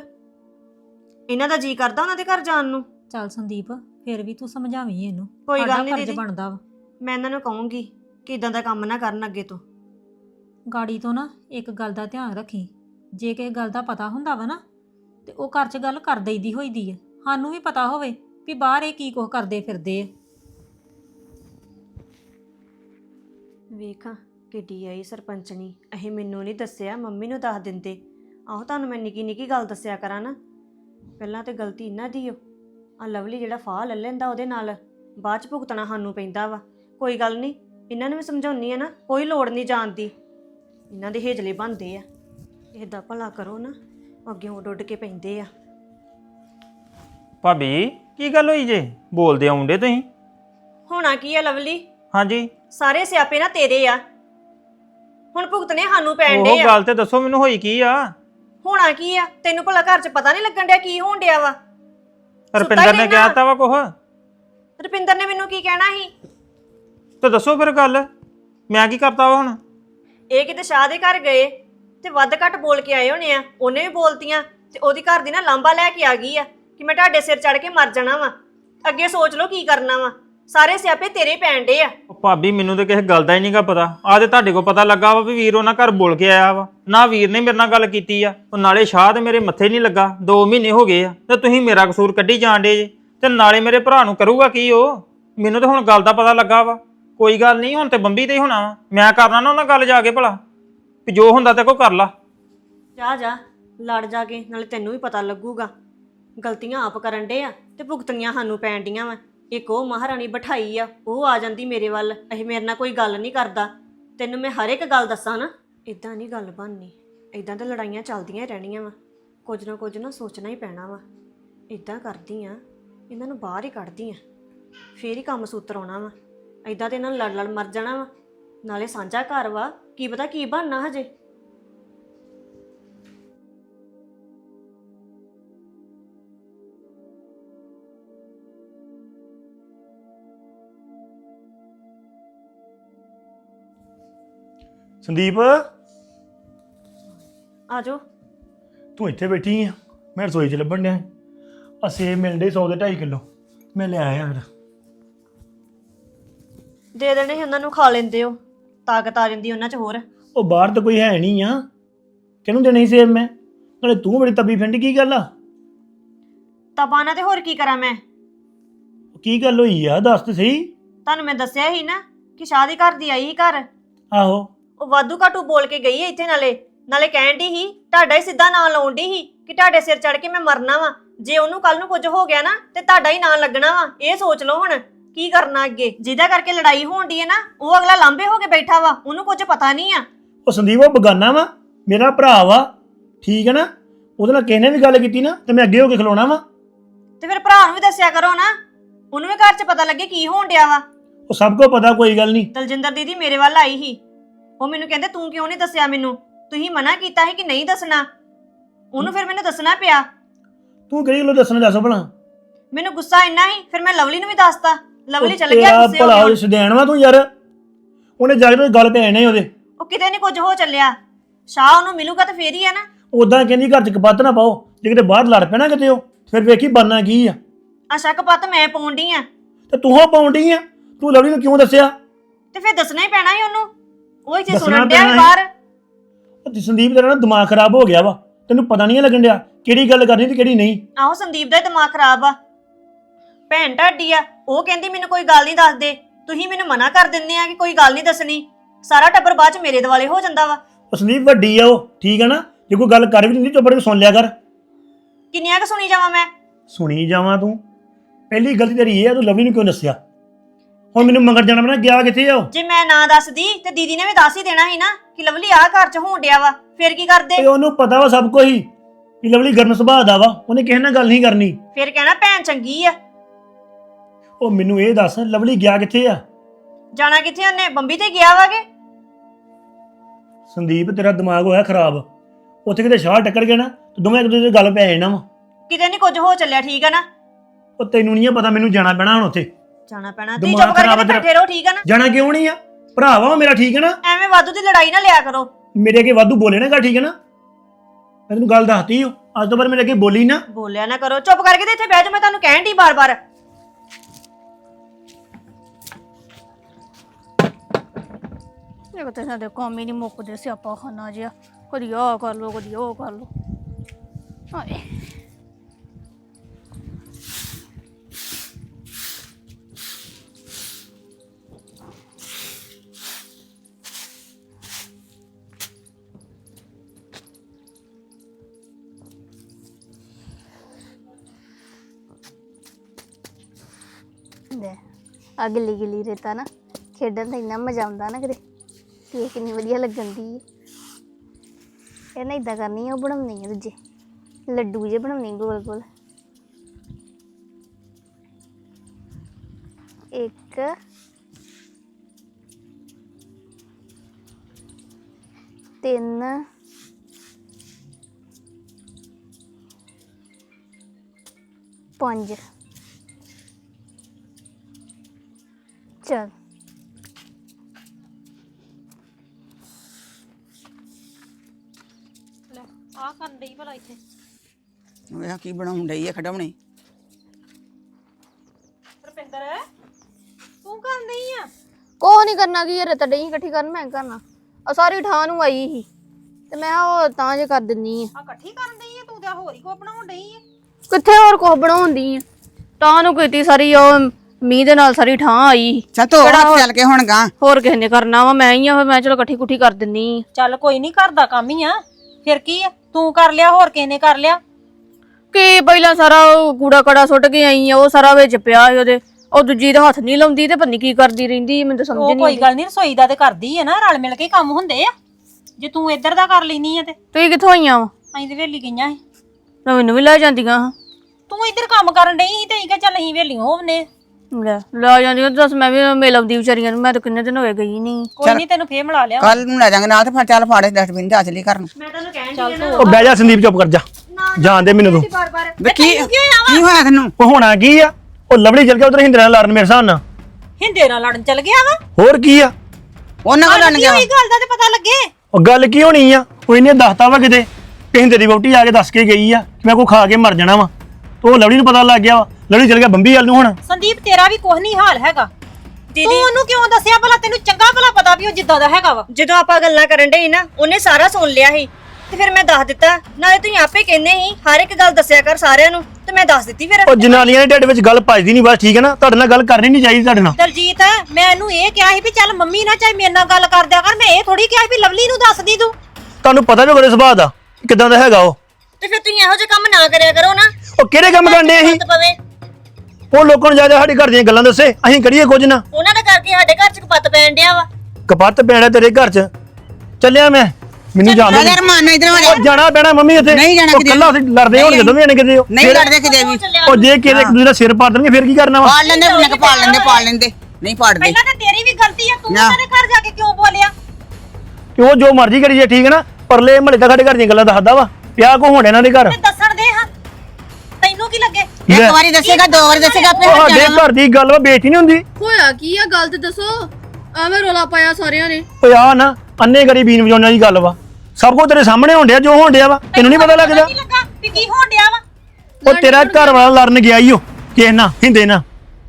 ਇਹਨਾਂ ਦਾ ਜੀ ਕਰਦਾ ਉਹਨਾਂ ਦੇ ਘਰ ਜਾਣ ਨੂੰ। ਚੱਲ ਸੰਦੀਪ ਫਿਰ ਵੀ ਤੂੰ ਸਮਝਾਵੀਂ ਇਹਨੂੰ, ਕੋਈ ਗੱਲ ਸਾਡਾ ਨਹੀਂ ਫਰਜ਼ ਦੀਦੀ, ਬਣਦਾ ਵਾ। ਮੈਂ ਇਹਨਾਂ ਨੂੰ ਕਹੂੰਗੀ ਕਿ ਇਦਾਂ ਦਾ ਕੰਮ ਨਾ ਕਰਨ ਅੱਗੇ ਤੋਂ। ਗਾੜੀ ਤੋਂ ਨਾ ਇੱਕ ਗੱਲ ਦਾ ਧਿਆਨ ਰੱਖੀ, ਜੇ ਕਿਸੇ ਗੱਲ ਦਾ ਪਤਾ ਹੁੰਦਾ ਵਾ ਨਾ ਤੇ ਉਹ ਘਰ 'ਚ ਗੱਲ ਕਰ ਦਈਦੀ ਹੋਈਦੀ ਹੈ। ਸਾਨੂੰ ਵੀ ਪਤਾ ਹੋਵੇ ਵੀ ਬਾਹਰ ਇਹ ਕੀ ਕੁਝ ਕਰਦੇ ਫਿਰਦੇ ਆ। ਵੇਖਾਂ ਕਿੱਡੀ ਆਈ ਸਰਪੰਚਣੀ, ਇਹ ਮੈਨੂੰ ਨਹੀਂ ਦੱਸਿਆ, ਮੰਮੀ ਨੂੰ ਦੱਸ ਦਿੰਦੇ। ਆਹੋ ਤੁਹਾਨੂੰ ਮੈਂ ਨਿੱਕੀ ਨਿੱਕੀ ਗੱਲ ਦੱਸਿਆ ਕਰਾਂ ਨਾ। ਪਹਿਲਾਂ ਤੇ ਗਲਤੀ ਇਹਨਾਂ ਦੀ ਓ, ਆ ਲਵਲੀ ਜਿਹੜਾ ਫਾਹ ਲੈ ਲੈਂਦਾ ਉਹਦੇ ਨਾਲ, ਬਾਅਦ ਚ ਭੁਗਤਣਾ ਸਾਨੂੰ ਪੈਂਦਾ ਵਾ। ਕੋਈ ਗੱਲ ਨਹੀਂ, ਇਹਨਾਂ ਨੂੰ ਵੀ ਸਮਝਾਉਣੀ ਆ ਨਾ, ਕੋਈ ਲੋੜ ਨਹੀਂ ਜਾਣ ਦੀ। ਇਹਨਾਂ ਦੇ ਹੇਜਲੇ ਬਣਦੇ ਆ, ਇਹਦਾ ਭਲਾ ਕਰੋ ਨਾ, ਅੱਗੇ ਉੱਡ ਉੱਡ ਕੇ ਪੈਂਦੇ ਆ। ਭਾਬੀ ਕੀ ਗੱਲ ਹੋਈ ਜੇ, ਬੋਲਦੇ ਆਉਂਦੇ ਤੁਸੀਂ? ਹੋਣਾ ਕੀ ਆ ਲਵਲੀ, ਹਾਂਜੀ ਸਾਰੇ ਸਿਆਪੇ ਨਾ ਤੇਰੇ ਆ, ਹੁਣ ਭੁਗਤਣੇ ਸਾਨੂੰ ਪੈਣ ਉਹ ਡੇ ਆ। ਗੱਲ ਤੇ ਦੱਸੋ ਮੈਨੂੰ, ਹੋਈ ਕੀ ਆ? ਹੋਣਾ ਕੀ ਆ, ਤੈਨੂੰ ਭਲਾ ਘਰ 'ਚ ਪਤਾ ਨਹੀਂ ਲੱਗਣ ਡਿਆ ਕੀ ਹੋਣ ਡਿਆ ਵਾ? ਰੁਪਿੰਦਰ ਨੇ ਰਹਿਣਾ। ਕਹਿਤਾ ਵਾ ਕੁਛ? ਰੁਪਿੰਦਰ ਨੇ ਮੈਨੂੰ ਕੀ ਕਹਿਣਾ ਸੀ? ਤੇ ਦੱਸੋ ਫਿਰ ਗੱਲ, ਮੈਂ ਕੀ ਕਰਤਾ ਵਾ ਹੁਣ? ਇਹ ਕਿਤੇ ਸ਼ਾਹ ਦੇ ਘਰ ਗਏ ਤੇ ਵੱਧ ਘੱਟ ਬੋਲ ਕੇ ਆਏ ਹੋਣੇ ਆ, ਉਹਨੇ ਵੀ ਬੋਲਤੀਆਂ, ਤੇ ਉਹਦੀ ਘਰ ਦੀ ਨਾ ਲਾਂਬਾ ਲੈ ਕੇ ਆ ਗਈ ਆ ਕਿ ਮੈਂ ਤੁਹਾਡੇ ਸਿਰ ਚੜ ਕੇ ਮਰ ਜਾਣਾ ਵਾ। ਅੱਗੇ ਸੋਚ ਲਓ ਕੀ ਕਰਨਾ ਵਾ, ਸਾਰੇ ਸਿਆਪੇ ਤੇਰੇ ਪੈਣ ਡੇ ਆ। ਉਹ ਭਾਬੀ ਮੈਨੂੰ ਤੇ ਕਿਸੇ ਗੱਲ ਦਾ ਹੀ ਨਹੀਂਗਾ ਪਤਾ। ਆ ਤੇ ਤੁਹਾਡੇ ਕੋਲ ਪਤਾ ਲੱਗਾ ਵਾ ਵੀ ਵੀਰ ਉਹਨਾਂ ਘਰ ਬੋਲ ਕੇ ਆਇਆ ਵਾ, ਨਾ ਵੀਰ ਨੇ ਮੇਰੇ ਨਾਲ ਗੱਲ ਕੀਤੀ ਆ। ਉਹ ਨਾਲੇ ਸ਼ਾਹ ਤੇ ਮੇਰੇ ਮੱਥੇ ਨਹੀਂ ਲੱਗਾ, ਦੋ ਮਹੀਨੇ ਹੋ ਗਏ ਆ, ਤੇ ਤੁਸੀਂ ਮੇਰਾ ਕਸੂਰ ਕੱਢੀ ਜਾਣ ਡੇ ਜੇ। ਤੇ ਨਾਲੇ ਮੇਰੇ ਭਰਾ ਨੂੰ ਕਰੂਗਾ ਕੀ ਉਹ? ਮੈਨੂੰ ਤਾਂ ਹੁਣ ਗੱਲ ਦਾ ਪਤਾ ਲੱਗਾ ਵਾ। ਕੋਈ ਗੱਲ ਨਹੀਂ, ਹੁਣ ਤੇ ਬੰਬੀ ਤੇ ਹੀ ਹੋਣਾ ਵਾ। ਮੈਂ ਕਰਨਾ ਨਾ ਉਹਨਾਂ ਗੱਲ ਜਾ ਕੇ ਭਲਾ, ਵੀ ਜੋ ਹੁੰਦਾ ਤੇ ਕੋ ਕਰ ਲਾ। ਜਾ ਜਾ ਲੜ ਜਾ ਕੇ, ਨਾਲੇ ਤੈਨੂੰ ਵੀ ਪਤਾ ਲੱਗੂਗਾ। ਗਲਤੀਆਂ ਆਪ ਕਰਨ ਡੇ ਆ ਤੇ ਭੁਗਤਣੀਆਂ ਸਾਨੂੰ ਪੈਣ ਡੀਆਂ ਵਾ। ਇੱਕ ਉਹ ਮਹਾਰਾਣੀ ਬਿਠਾਈ ਆ, ਉਹ ਆ ਜਾਂਦੀ ਮੇਰੇ ਵੱਲ, ਇਹ ਮੇਰੇ ਨਾਲ ਕੋਈ ਗੱਲ ਨਹੀਂ ਕਰਦਾ। ਤੈਨੂੰ ਮੈਂ ਹਰ ਇੱਕ ਗੱਲ ਦੱਸਾਂ ਨਾ, ਇਦਾਂ ਨਹੀਂ ਗੱਲ ਬਣਨੀ। ਇਦਾਂ ਤਾਂ ਲੜਾਈਆਂ ਚੱਲਦੀਆਂ ਹੀ ਰਹਿਣੀਆਂ ਵਾ, ਕੁਝ ਨਾ ਕੁਝ ਨਾ ਸੋਚਣਾ ਹੀ ਪੈਣਾ ਵਾ। ਇਦਾਂ ਕਰਦੀ ਆ, ਇਹਨਾਂ ਨੂੰ ਬਾਹਰ ਹੀ ਕੱਢਦੀ ਆ। ਫੇਰ ਹੀ ਕੰਮ ਸੂਤਰ ਆਉਣਾ ਵਾ। ਐਦਾਂ ਤੇ ਇਹਨਾਂ ਨੂੰ ਲੜ ਲੜ ਮਰ ਜਾਣਾ ਵਾ। ਨਾਲੇ ਸਾਂਝਾ ਘਰ ਵਾ, ਕੀ ਪਤਾ ਕੀ ਬਣਨਾ ਹਜੇ। ਸੰਦੀਪ ਆ ਜਾਓ। ਤੂੰ ਇੱਥੇ ਬੈਠੀ ਆ, ਮੈਂ ਰਸੋਈ 'ਚ ਲੱਭਣ ਡਿਆ। ਆ ਸੇਬ ਮਿਲਦੇ ਸੌ ਦੇ ਢਾਈ ਕਿਲੋ, ਮੈਂ ਲੈ ਆਇਆ ਫਿਰ। ਦੇ ਦੇਣੇ ਸੀ ਉਹਨਾਂ ਨੂੰ, ਖਾ ਲੈਂਦੇ ਹੋ, ਤਾਕਤ ਆ ਜਾਂਦੀ ਉਹਨਾਂ 'ਚ ਹੋਰ। ਉਹ ਬਾਹਰ ਤਾਂ ਕੋਈ ਹੈ ਨਹੀਂ ਆ, ਕਿਹਨੂੰ ਦੇਣੇ ਸੀ ਸੇਬ ਮੈਂ? ਨਾਲੇ ਤੂੰ ਬੜੀ ਤੱਬੀ ਫਿੰਡ, ਕੀ ਗੱਲ ਆ? ਤਬਾਨਾ ਤੇ ਹੋਰ ਕੀ ਕਰਾਂ ਮੈਂ? ਕੀ ਗੱਲ ਹੋਈ ਆ, ਦੱਸ ਤੇ ਸਹੀ। ਤੁਹਾਨੂੰ ਮੈਂ ਦੱਸਿਆ ਸੀ ਨਾ ਕਿ ਸ਼ਾਦੀ ਘਰ ਦੀ ਆਈ ਸੀ ਘਰ। ਆਹੋ, ਉਹ ਵਾਧੂ ਘਾਟੂ ਬੋਲ ਕੇ ਗਈ ਹੈ ਇੱਥੇ। ਨਾਲੇ ਨਾਲੇ ਕਹਿਣ ਦੀ ਸੀ, ਤੁਹਾਡਾ ਹੀ ਸਿੱਧਾ ਨਾਂ ਲਾਉਣ ਦੀ ਸੀ ਕਿ ਤੁਹਾਡੇ ਸਿਰ ਚੜ ਕੇ ਮੈਂ ਮਰਨਾ ਵਾ। ਜੇ ਉਹਨੂੰ ਕੱਲ ਨੂੰ ਕੁਝ ਹੋ ਗਿਆ ਨਾ ਤੇ ਤੁਹਾਡਾ ਹੀ ਨਾਂ ਲੱਗਣਾ ਵਾ। ਇਹ ਸੋਚ ਲਓ ਹੁਣ ਕੀ ਕਰਨਾ ਅੱਗੇ। ਜਿਹਦਾ ਕਰਕੇ ਲੜਾਈ ਹੋਣ ਦੀ ਹੈ ਨਾ, ਉਹ ਅਗਲਾ ਲਾਂਭੇ ਹੋ ਕੇ ਬੈਠਾ ਵਾ, ਉਹਨੂੰ ਕੁਝ ਪਤਾ ਨਹੀਂ ਆ। ਉਹ ਸੰਦੀਪ ਉਹ ਬਗਾਨਾ ਵਾ, ਮੇਰਾ ਭਰਾ ਵਾ, ਠੀਕ ਹੈ ਨਾ। ਉਹਦੇ ਨਾਲ ਕਿਸੇ ਨੇ ਵੀ ਗੱਲ ਕੀਤੀ ਨਾ ਤੇ ਮੈਂ ਅੱਗੇ ਹੋ ਕੇ ਖਲੋਣਾ ਵਾ। ਤੇ ਫਿਰ ਭਰਾ ਨੂੰ ਵੀ ਦੱਸਿਆ ਕਰੋ ਨਾ, ਉਹਨੂੰ ਵੀ ਘਰ 'ਚ ਪਤਾ ਲੱਗੇ ਕੀ ਹੋਣ ਡਿਆ ਵਾ। ਉਹ ਸਭ ਕੋ ਪਤਾ, ਕੋਈ ਗੱਲ ਨਹੀਂ। ਦਲਜਿੰਦਰ ਦੀਦੀ ਮੇਰੇ ਵੱਲ ਆਈ ਸੀ, ਉਹ ਮੈਨੂੰ ਕਹਿੰਦੇ ਤੂੰ ਕਿਉਂ ਨਹੀਂ ਦੱਸਿਆ ਮੈਨੂੰ? ਤੁਸੀਂ ਮਨਾ ਕੀਤਾ ਸੀ ਕਿ ਨਹੀਂ ਦੱਸਣਾ, ਉਹਨੂੰ ਫਿਰ ਮੈਨੂੰ ਦੱਸਣਾ ਪਿਆ। ਤੂੰ ਕਿਹੜੀ ਗੱਲੋਂ ਦੱਸਣਾ, ਦੱਸ ਭਲਾ। ਮੈਨੂੰ ਗੁੱਸਾ ਇੰਨਾ ਸੀ, ਫਿਰ ਮੈਂ ਲਵਲੀ ਨੂੰ ਵੀ ਦੱਸਤਾ। ਲਵਲੀ ਚਲ ਗਿਆ ਤੇਰਾ ਗੁੱਸੇ ਹੋ ਭਲਾ ਕੇ। ਉਹ ਸਦੈਣ ਵਾ ਤੂੰ ਯਾਰ, ਉਹਨੇ ਜਾ ਕੇ ਗੱਲ ਪੈ ਨੇ ਉਹਦੇ। ਉਹ ਕਿਤੇ ਨਹੀਂ ਕੁਝ ਹੋ ਚੱਲਿਆ, ਸ਼ਾਹ ਉਹਨੂੰ ਮਿਲੂਗਾ ਤਾਂ ਫੇਰ ਹੀ ਆ ਨਾ। ਉਦਾਂ ਕਹਿੰਦੀ ਘਰ 'ਚ ਕਪੱਤ ਨਾ ਪਾਓ, ਜੇ ਕਿਤੇ ਬਾਹਰ ਲੜ ਪੈਣਾ ਕਿਤੇ ਉਹ, ਫਿਰ ਵੇਖੀ ਬਣਨਾ ਕੀ ਆ। ਆ ਸ਼ੱਕ ਪੱਤ ਮੈਂ ਪਾਉਣ ਡਈ ਆ ਤੇ ਤੂੰ ਹੋ ਪਾਉਂਦੀ ਆ, ਤੂੰ ਲਵਲੀ ਨੂੰ ਕਿਉਂ ਦੱਸਿਆ? ਤੇ ਫਿਰ ਦੱਸਣਾ ਹੀ ਪੈਣਾ ਸੀ ਉਹਨੂੰ, ਉਹ ਇੱਥੇ ਦੱਸਣਾ ਸੁਣਨ ਡਿਆ ਸੀ ਪੈਣਾ ਬਾਹਰ। ਉਹ ਸੰਦੀਪ ਤੇਰਾ ਨਾ ਦਿਮਾਗ ਖਰਾਬ ਹੋ ਗਿਆ ਵਾ, ਤੈਨੂੰ ਪਤਾ ਨਹੀਂ ਲੱਗਣ ਡਿਆ ਕਿਹੜੀ ਗੱਲ ਕਰਨੀ ਤੇ ਕਿਹੜੀ ਨਹੀਂ। ਆਹੋ ਸੰਦੀਪ ਦਾ ਹੀ ਦਿਮਾਗ ਖਰਾਬ ਆ। ਭੈਣ ਢਾਡੀ ਆ, ਉਹ ਕਹਿੰਦੀ ਮੈਨੂੰ ਕੋਈ ਗੱਲ ਨਹੀਂ ਦੱਸਦੇ, ਤੁਸੀਂ ਮੈਨੂੰ ਮਨਾ ਕਰ ਦਿੰਦੇ ਆ ਕਿ ਕੋਈ ਗੱਲ ਨਹੀਂ ਦੱਸਣੀ। ਸਾਰਾ ਟੱਬਰ ਬਾਅਦ ਚ ਮੇਰੇ ਦੁਆਲੇ ਹੋ ਜਾਂਦਾ ਵਾ। ਉਹ ਸੰਦੀਪ ਵੱਡੀ ਆ ਉਹ, ਠੀਕ ਹੈ ਨਾ। ਜੇ ਕੋਈ ਗੱਲ ਕਰ ਵੀ ਦਿੰਦੀ ਚੁੱਪ ਕਰਕੇ ਸੁਣ ਲਿਆ ਕਰ। ਕਿੰਨੀਆਂ ਕੁ ਸੁਣੀ ਜਾਵਾਂ ਮੈਂ? ਸੁਣੀ ਜਾਵਾਂ ਤੂੰ? ਪਹਿਲੀ ਗਲਤੀ ਤੇਰੀ ਇਹ ਆ, ਤੂੰ ਲਵਲੀ ਨੂੰ ਕਿਉਂ ਦੱਸਿਆ? ਹੁਣ ਮੈਨੂੰ ਮੰਗਰ ਜਾਣਾ ਪੈਣਾ, ਗਿਆ ਕਿੱਥੇ ਆ ਉਹ? ਜੇ ਮੈਂ ਨਾ ਦੱਸਦੀ ਤੇ ਦੀਦੀ ਨੇ ਵੀ ਦੱਸ ਹੀ ਦੇਣਾ ਸੀ ਨਾ ਕਿ ਲਵਲੀ ਆਹ ਘਰ ਚ ਹੋਣ ਡਿਆ ਵਾ, ਫਿਰ ਕੀ ਕਰਦੇ? ਓਏ ਉਹਨੂੰ ਪਤਾ ਵਾ ਸਭ ਕੁਝ ਹੀ, ਕਿ ਲਵਲੀ ਗਰਮ ਸੁਭਾਅ ਦਾ ਵਾ, ਉਹਨੇ ਕਿਸੇ ਨਾਲ ਗੱਲ ਨਹੀਂ ਕਰਨੀ। ਫਿਰ ਕਹਿਣਾ ਭੈਣ ਚੰਗੀ ਆ। ਉਹ ਮੈਨੂੰ ਇਹ ਦੱਸ, ਲਵਲੀ ਗਿਆ ਕਿੱਥੇ ਆ? ਜਾਣਾ ਕਿੱਥੇ ਉਹਨੇ? ਬੰਬੀ ਤੇ ਗਿਆ ਵਾਗੇ। ਸੰਦੀਪ ਤੇਰਾ ਦਿਮਾਗ ਹੋਇਆ ਖਰਾਬ, ਉੱਥੇ ਕਿਤੇ ਸ਼ਾਹ ਟੱਕਰ ਗਿਆ ਨਾ ਤੇ ਦੋਵੇਂ ਇੱਕ ਦੂਜੇ ਦੀ ਗੱਲ ਪੈ ਜਾਣਾ ਵਾ। ਕਿਤੇ ਨਹੀਂ ਕੁਝ ਹੋ ਚੱਲਿਆ, ਠੀਕ ਆ ਨਾ? ਉਹ ਤੈਨੂੰ ਨਹੀਂ ਪਤਾ, ਮੈਨੂੰ ਜਾਣਾ ਪੈਣਾ ਹੁਣ ਉੱਥੇ। ਜਾਣਾ ਪੈਣਾ? ਤੁਸੀਂ ਦਿਮਾਗ ਚੁੱਪ ਖਰਾਬ ਕਰਕੇ ਆ ਬੈਠੇ ਰਹੋ, ਠੀਕ ਆ ਨਾ? ਜਾਣਾ ਕਿਉਂ ਨਹੀਂ ਆ? ਭਰਾ ਵਾ ਉਹ ਮੇਰਾ, ਠੀਕ ਹੈ ਨਾ। ਐਵੇਂ ਵਾਧੂ ਦੀ ਲੜਾਈ ਨਾ ਲਿਆ ਕਰੋ। ਮੇਰੇ ਅੱਗੇ ਵਾਧੂ ਬੋਲੇ ਨਾ ਕਰ, ਠੀਕ ਹੈ ਨਾ। ਮੈਂ ਤੈਨੂੰ ਗੱਲ ਦੱਸਤੀ ਓ, ਅੱਜ ਤੋਂ ਬਾਅਦ ਮੇਰੇ ਅੱਗੇ ਬੋਲੀ ਨਾ। ਬੋਲਿਆ ਨਾ ਕਰੋ, ਚੁੱਪ ਕਰਕੇ ਤੇ ਇੱਥੇ ਬਹਿ ਜਾ। ਮੈਂ ਤੁਹਾਨੂੰ ਕਹਿਣ ਦੀ ਬਾਰ-ਬਾਰ। ਇਹ ਤਾਂ ਸਾਡੇ ਕੰਮ ਹੀ ਨਹੀਂ ਮੁੱਕਦੇ, ਸਿਆਪਾ ਖਾਨਾ ਜਿਹਾ। ਕਦੀ ਆਹ ਕਰ ਲੋ, ਕਦੀ ਉਹ ਕਰ ਲੋ। ਹਾਏ ਆ ਗਿੱਲੀ ਗਿੱਲੀ ਰੇਤਾ ਨਾ, ਖੇਡਣ ਦਾ ਇੰਨਾ ਮਜ਼ਾ ਆਉਂਦਾ ਨਾ ਕਿਤੇ। ਇਹ ਕਿੰਨੀ ਵਧੀਆ ਲੱਗਣ ਦੀ ਹੈ। ਇਹ ਨਾ ਇਦਾਂ ਕਰਨੀ ਆ, ਉਹ ਬਣਾਉਣੀ ਆ ਦੂਜੇ ਲੱਡੂ ਜਿਹੇ ਬਣਾਉਣੇ ਗੋਲ ਗੋਲ। ਇੱਕ ਤਿੰਨ ਪੰਜ ਚੱਲ ਲੈ ਆ ਕਰਨ ਡਈ ਭਲਾ ਇੱਥੇ? ਵੇਖ ਕੀ ਬਣਾਉਣ ਡਈ ਆ ਖਡਾਉਣੇ। ਰੁਪਿੰਦਰ ਤੂੰ ਕਰਨ ਡਈ ਆ? ਕੋਹ ਨਹੀਂ ਕਰਨਾ ਕੀ, ਰੇਤਾ ਡਈ ਇਕੱਠੀ ਕਰਨ, ਮੈਂ ਕਰਨਾ। ਆ ਸਾਰੀ ਠਾਂ ਨੂੰ ਆਈ ਸੀ ਤੇ ਮੈਂ ਉਹ ਤਾਂ ਜੇ ਕਰ ਦਿੰਨੀ ਆ। ਆ ਇਕੱਠੀ ਕਰਨ ਡਈ ਆ? ਤੂੰ ਤਾਂ ਹੋਰ ਹੀ ਕੋ ਬਣਾਉਣ ਡਈ ਆ। ਕਿੱਥੇ ਹੋਰ ਕੁਝ ਬਣਾਉਂਦੀ ਆ? ਤਾਂ ਨੂੰ ਕੀਤੀ ਸਾਰੀ ਉਹ ਮੀਂਹ ਦੇ ਨਾਲ ਸਾਰੀ ਠਾਂ ਆਈ ਸੀ। ਚੱਲ ਧੋ ਹੱਥ ਚੱਲ ਕੇ ਹੁਣ ਗਾ। ਹੋਰ ਕਿਸੇ ਨੇ ਕਰਨਾ ਵਾ, ਮੈਂ ਹੀ ਆ। ਮੈਂ ਚਲੋ ਇਕੱਠੀ ਕੁੱਠੀ ਕਰ ਦਿੰਨੀ ਆ। ਚੱਲ ਕੋਈ ਨਹੀਂ, ਘਰ ਦਾ ਕੰਮ ਹੀ ਆ, ਫਿਰ ਕੀ ਆ? ਤੂੰ ਕਰ ਲਿਆ, ਹੋਰ ਕਿਸੇ ਨੇ ਕਰ ਲਿਆ? ਕਿ ਪਹਿਲਾਂ ਸਾਰਾ ਉਹ ਕੂੜਾ ਕੜਾ ਸੁੱਟ ਕੇ ਆਈ ਆ, ਉਹ ਸਾਰਾ ਵਿੱਚ ਪਿਆ ਸੀ ਉਹਦੇ। ਉਹ ਦੂਜੀ ਦਾ ਹੱਥ ਨਹੀਂ ਲਾਉਂਦੀ ਤੇ ਪਤਾ ਕੀ ਕਰਦੀ ਰਹਿੰਦੀ, ਮੈਨੂੰ ਤਾਂ ਸਮਝ ਉਹ ਨਹੀਂ ਕੋਈ ਆਉਂਦੀ। ਗੱਲ ਨਹੀਂ, ਰਸੋਈ ਦਾ ਤੇ ਕਰਦੀ ਆ ਨਾ, ਰਲ ਮਿਲ ਕੇ ਕੰਮ ਹੁੰਦੇ ਆ। ਜੇ ਤੂੰ ਇੱਧਰ ਦਾ ਕਰ ਲੈਨੀ ਆ ਤੇ ਤੁਸੀਂ ਕਿੱਥੋਂ ਆਈਆਂ ਵਾ? ਅਸੀਂ ਤੇ ਵੇਲੀ ਗਈਆਂ ਸੀ। ਮੈਨੂੰ ਵੀ ਲੈ ਜਾਂਦੀਆਂ ਹਾਂ। ਤੂੰ ਇੱਧਰ ਕੰਮ ਕਰਨ ਡਈ ਸੀ ਤੇ ਅਸੀਂ ਕਿਹਾ ਚੱਲ ਅਸੀਂ ਵੇਲੀਆਂ ਹੋਵਨੇ। ਲੈ ਲੈ ਜਾਂਦੀ ਦੱਸ ਮੈਂ ਵੀ ਮਿਲ ਆਉਂਦੀ ਵਿਚਾਰੀਆਂ ਨੂੰ ਮੈਂ ਤਾਂ ਕਿੰਨੇ ਦਿਨ ਹੋਏ ਗਈ ਨਹੀਂ ਕੋਈ ਨਹੀਂ ਤੈਨੂੰ ਫੇਰ ਮਿਲਾ ਲਿਆ ਕੱਲ ਨੂੰ ਲੈ ਜਾਾਂਗੇ ਨਾਲ ਤੇ ਫਿਰ ਚੱਲ ਫਾੜੇ ਡਸਟਬਿਨ ਜਾ ਚਲੀ ਘਰ ਨੂੰ। ਮੈਂ ਤੁਹਾਨੂੰ ਕਹਿਣ ਦੀ ਨਾ ਉਹ ਬਹਿ ਜਾ ਸੰਦੀਪ, ਚੁੱਪ ਕਰ ਜਾ, ਜਾਣ ਦੇ ਮੈਨੂੰ ਤੂੰ। ਬਾਰ-ਬਾਰ ਵੇ ਕੀ ਕੀ ਹੋਇਆ ਤੈਨੂੰ? ਉਹ ਹੋਣਾ ਕੀ ਆ, ਉਹ ਲਵਲੀ ਚਲ ਗਿਆ ਉਧਰ ਹਿੰਦਰਾ ਲੜਨ ਮੇਰੇ ਹਿਸਾਬ ਨਾਲ। ਹਿੰਦੇ ਨਾਲ ਲੜਨ ਚੱਲ ਗਿਆ ਵਾ ਹੋਰ ਕੀ ਆ, ਉਹਨਾਂ ਕੋਲ ਲੜਨ ਗਿਆ ਇਹ ਗੱਲ ਦਾ ਤੇ ਪਤਾ ਲੱਗੇ। ਉਹ ਗੱਲ ਕੀ ਹੋਣੀ ਆ, ਉਹ ਇਹਨੇ ਦੱਸਤਾ ਵਾ ਕਿਤੇ ਕਿ ਹਿੰਦੇ ਦੀ ਵਹੁਟੀ ਆ ਕੇ ਦੱਸ ਕੇ ਗਈ ਆ ਕਿ ਮੈਂ ਕੋ ਖਾ ਕੇ ਮਰ ਜਾਣਾ ਵਾ। ਤੇ ਉਹ ਲਵਲੀ ਨੂੰ ਪਤਾ ਲੱਗ ਗਿਆ ਵਾ, ਲਵਲੀ ਚਲ ਗਿਆ ਬੰਬੀ ਵੱਲ ਨੂੰ। ਹੁਣ ਸੰਦੀਪ ਤੇਰਾ ਵੀ ਕੁਝ ਨਹੀਂ ਹਾਲ ਹੈਗਾ। ਤੂੰ ਉਹਨੂੰ ਕਿਉਂ ਦੱਸਿਆ ਭਲਾ? ਤੈਨੂੰ ਚੰਗਾ ਭਲਾ ਪਤਾ ਵੀ ਉਹ ਜਿੱਦਾਂ ਦਾ ਹੈਗਾ ਵਾ। ਜਦੋਂ ਆਪਾਂ ਗੱਲਾਂ ਕਰਨ ਡੇ ਨਾ ਉਹਨੇ ਸਾਰਾ ਸੁਣ ਲਿਆ ਸੀ ਤੇ ਫਿਰ ਮੈਂ ਦੱਸ ਦਿੱਤਾ। ਨਾਲੇ ਤੁਸੀਂ ਆਪੇ ਕਹਿੰਦੇ ਸੀ ਹਰ ਇੱਕ ਗੱਲ ਦੱਸਿਆ ਕਰ ਸਾਰਿਆਂ ਨੂੰ, ਤੇ ਮੈਂ ਦੱਸ ਦਿੱਤੀ ਫਿਰ। ਉਹ ਜਨਾਨੀਆਂ ਦੇ ਢਿੱਡ ਵਿੱਚ ਗੱਲ ਭੱਜਦੀ ਨਹੀਂ, ਬਸ ਠੀਕ ਹੈ ਨਾ। ਤੁਹਾਡੇ ਨਾਲ ਗੱਲ ਕਰਨੀ ਨਹੀਂ ਚਾਹੀਦੀ ਤੁਹਾਡੇ ਨਾਲ। ਦਲਜੀਤ ਮੈਂ ਇਹਨੂੰ ਇਹ ਕਿਹਾ ਸੀ ਵੀ ਚੱਲ ਮੰਮੀ ਨਾ ਚਾਹੇ ਮੇਰੇ ਨਾਲ ਗੱਲ ਕਰ ਦਿਆ ਕਰ। ਮੈਂ ਇਹ ਥੋੜੀ ਕਿਹਾ ਵੀ ਲਵਲੀ ਨੂੰ ਦੱਸ ਦੀ ਤੂੰ। ਤੁਹਾਨੂੰ ਪਤਾ ਵੀ ਉਹਦੇ ਸੁਭਾਅ ਦਾ ਕਿਦਾਂ ਦਾ ਹੈਗਾ ਉਹ। ਤੇ ਫਿਰ ਤੁਸੀਂ ਇਹੋ ਜਿਹੇ ਕੰਮ ਨਾ ਕਰਿਆ ਕਰੋ ਨਾ। ਉਹ ਕਿਹੜੇ ਕੰਮ ਕਰਨੇ ਅਸੀਂ? ਪਵੇ ਉਹ ਲੋਕਾਂ ਨੂੰ ਜਾ ਜਾ ਸਾਡੇ ਘਰ ਦੀਆਂ ਗੱਲਾਂ ਦੱਸੇ, ਅਸੀਂ ਕਰੀਏ ਕੁਝ ਨਾ। ਉਹਨਾਂ ਦਾ ਕਰਕੇ ਸਾਡੇ ਘਰ ਚ ਕਪੱਤ ਪੈਣ ਡਿਆ ਵਾ। ਕਪੱਤ ਪੈਣਾ ਤੇਰੇ ਘਰ 'ਚ। ਚੱਲਿਆ ਮੈਂ, ਮੈਨੂੰ ਜਾਣ ਦੇ। ਯਾਰ ਮਾਨ ਇਧਰ ਆ ਉਹ ਜਾਣਾ ਪੈਣਾ ਮੰਮੀ ਇੱਥੇ। ਨਹੀਂ ਜਾਣਾ ਉਹ ਕਿਤੇ। ਕੱਲਾ ਅਸੀਂ ਲੜਦੇ ਹੋਣਗੇ ਦੋਵੇਂ ਜਣੇ ਕਿਤੇ। ਉਹ ਨਹੀਂ ਫਿਰ- ਲੜਦੇ ਕਿਤੇ ਵੀ। ਉਹ ਜੇ ਕਿਤੇ ਇੱਕ ਦੂਜੇ ਦਾ ਸਿਰ ਪਾੜ ਦੇਣਗੇ ਫਿਰ ਕੀ ਕਰਨਾ ਵਾ? ਪਾੜ ਲੈਂਦੇ ਉਹਨੇ ਪਾੜ ਲੈਂਦੇ ਪਾੜ ਲੈਂਦੇ ਨਹੀਂ ਪਾੜਦੇ। ਪਹਿਲਾਂ ਤਾਂ ਤੇਰੀ ਵੀ ਗਲਤੀ ਆ। ਤੂੰ ਨਾ। ਉਹਨਾਂ ਦੇ ਘਰ ਜਾ ਕੇ ਕਿਉਂ ਬੋਲਿਆ? ਕਿ ਉਹ ਜੋ ਮਰਜ਼ੀ ਕਰੀ ਜੇ, ਠੀਕ ਹੈ ਨਾ। ਪਰਲੇ ਮਹੱਲੇ ਦਾ ਸਾਡੇ ਘਰ ਦੀਆਂ ਗੱਲਾਂ ਦੱਸਦਾ ਵਾ, ਪਿਆ ਕੋ ਹੋਣ ਇਹਨਾਂ ਦੇ ਘਰ। ਤੇ ਦੱਸਣ ਦੇ ਹਾਂ, ਤੈਨੂੰ ਕੀ ਲੱਗੇ? ਇੱਕ ਵਾਰੀ ਦੱਸੇਗਾ, ਦੋ ਵਾਰੀ ਦੱਸੇਗਾ, ਉਹ ਫਿਰ ਸਾਡੇ ਜਾਣਾ। ਘਰ ਦੀ ਗੱਲ ਵਾ, ਬੇਇੱਜ਼ਤੀ ਨਹੀਂ ਹੁੰਦੀ। ਹੋਇਆ ਕੀ ਆ ਗੱਲ ਤੇ ਦੱਸੋ। ਐਵੇਂ ਰੋਲਾ ਪਾਇਆ ਸਾਰਿਆਂ ਨੇ। ਓਏ ਆ ਨਾ ਅੰਨੇ ਗਰੀ ਬੀਨ ਵਜਾਉਣ ਵਾਲੀ ਗੱਲ ਵਾ। ਸਭ ਕੁਝ ਤੇਰੇ ਸਾਹਮਣੇ ਹੋਣ ਡਿਆ, ਜੋ ਹੋਣ ਡਿਆ ਵਾ ਤੈਨੂੰ ਨਹੀਂ ਪਤਾ ਲੱਗਦਾ। ਕੀ ਲੱਗਾ ਵੀ ਕੀ ਹੋਣ ਡਿਆ ਵਾ? ਉਹ ਤੇਰਾ ਘਰ ਵਾਲਾ ਲੜਨ ਗਿਆ ਈ ਓ ਕਿਸੇ ਨਾਲ, ਹਿੰਦੇ ਨਾਲ।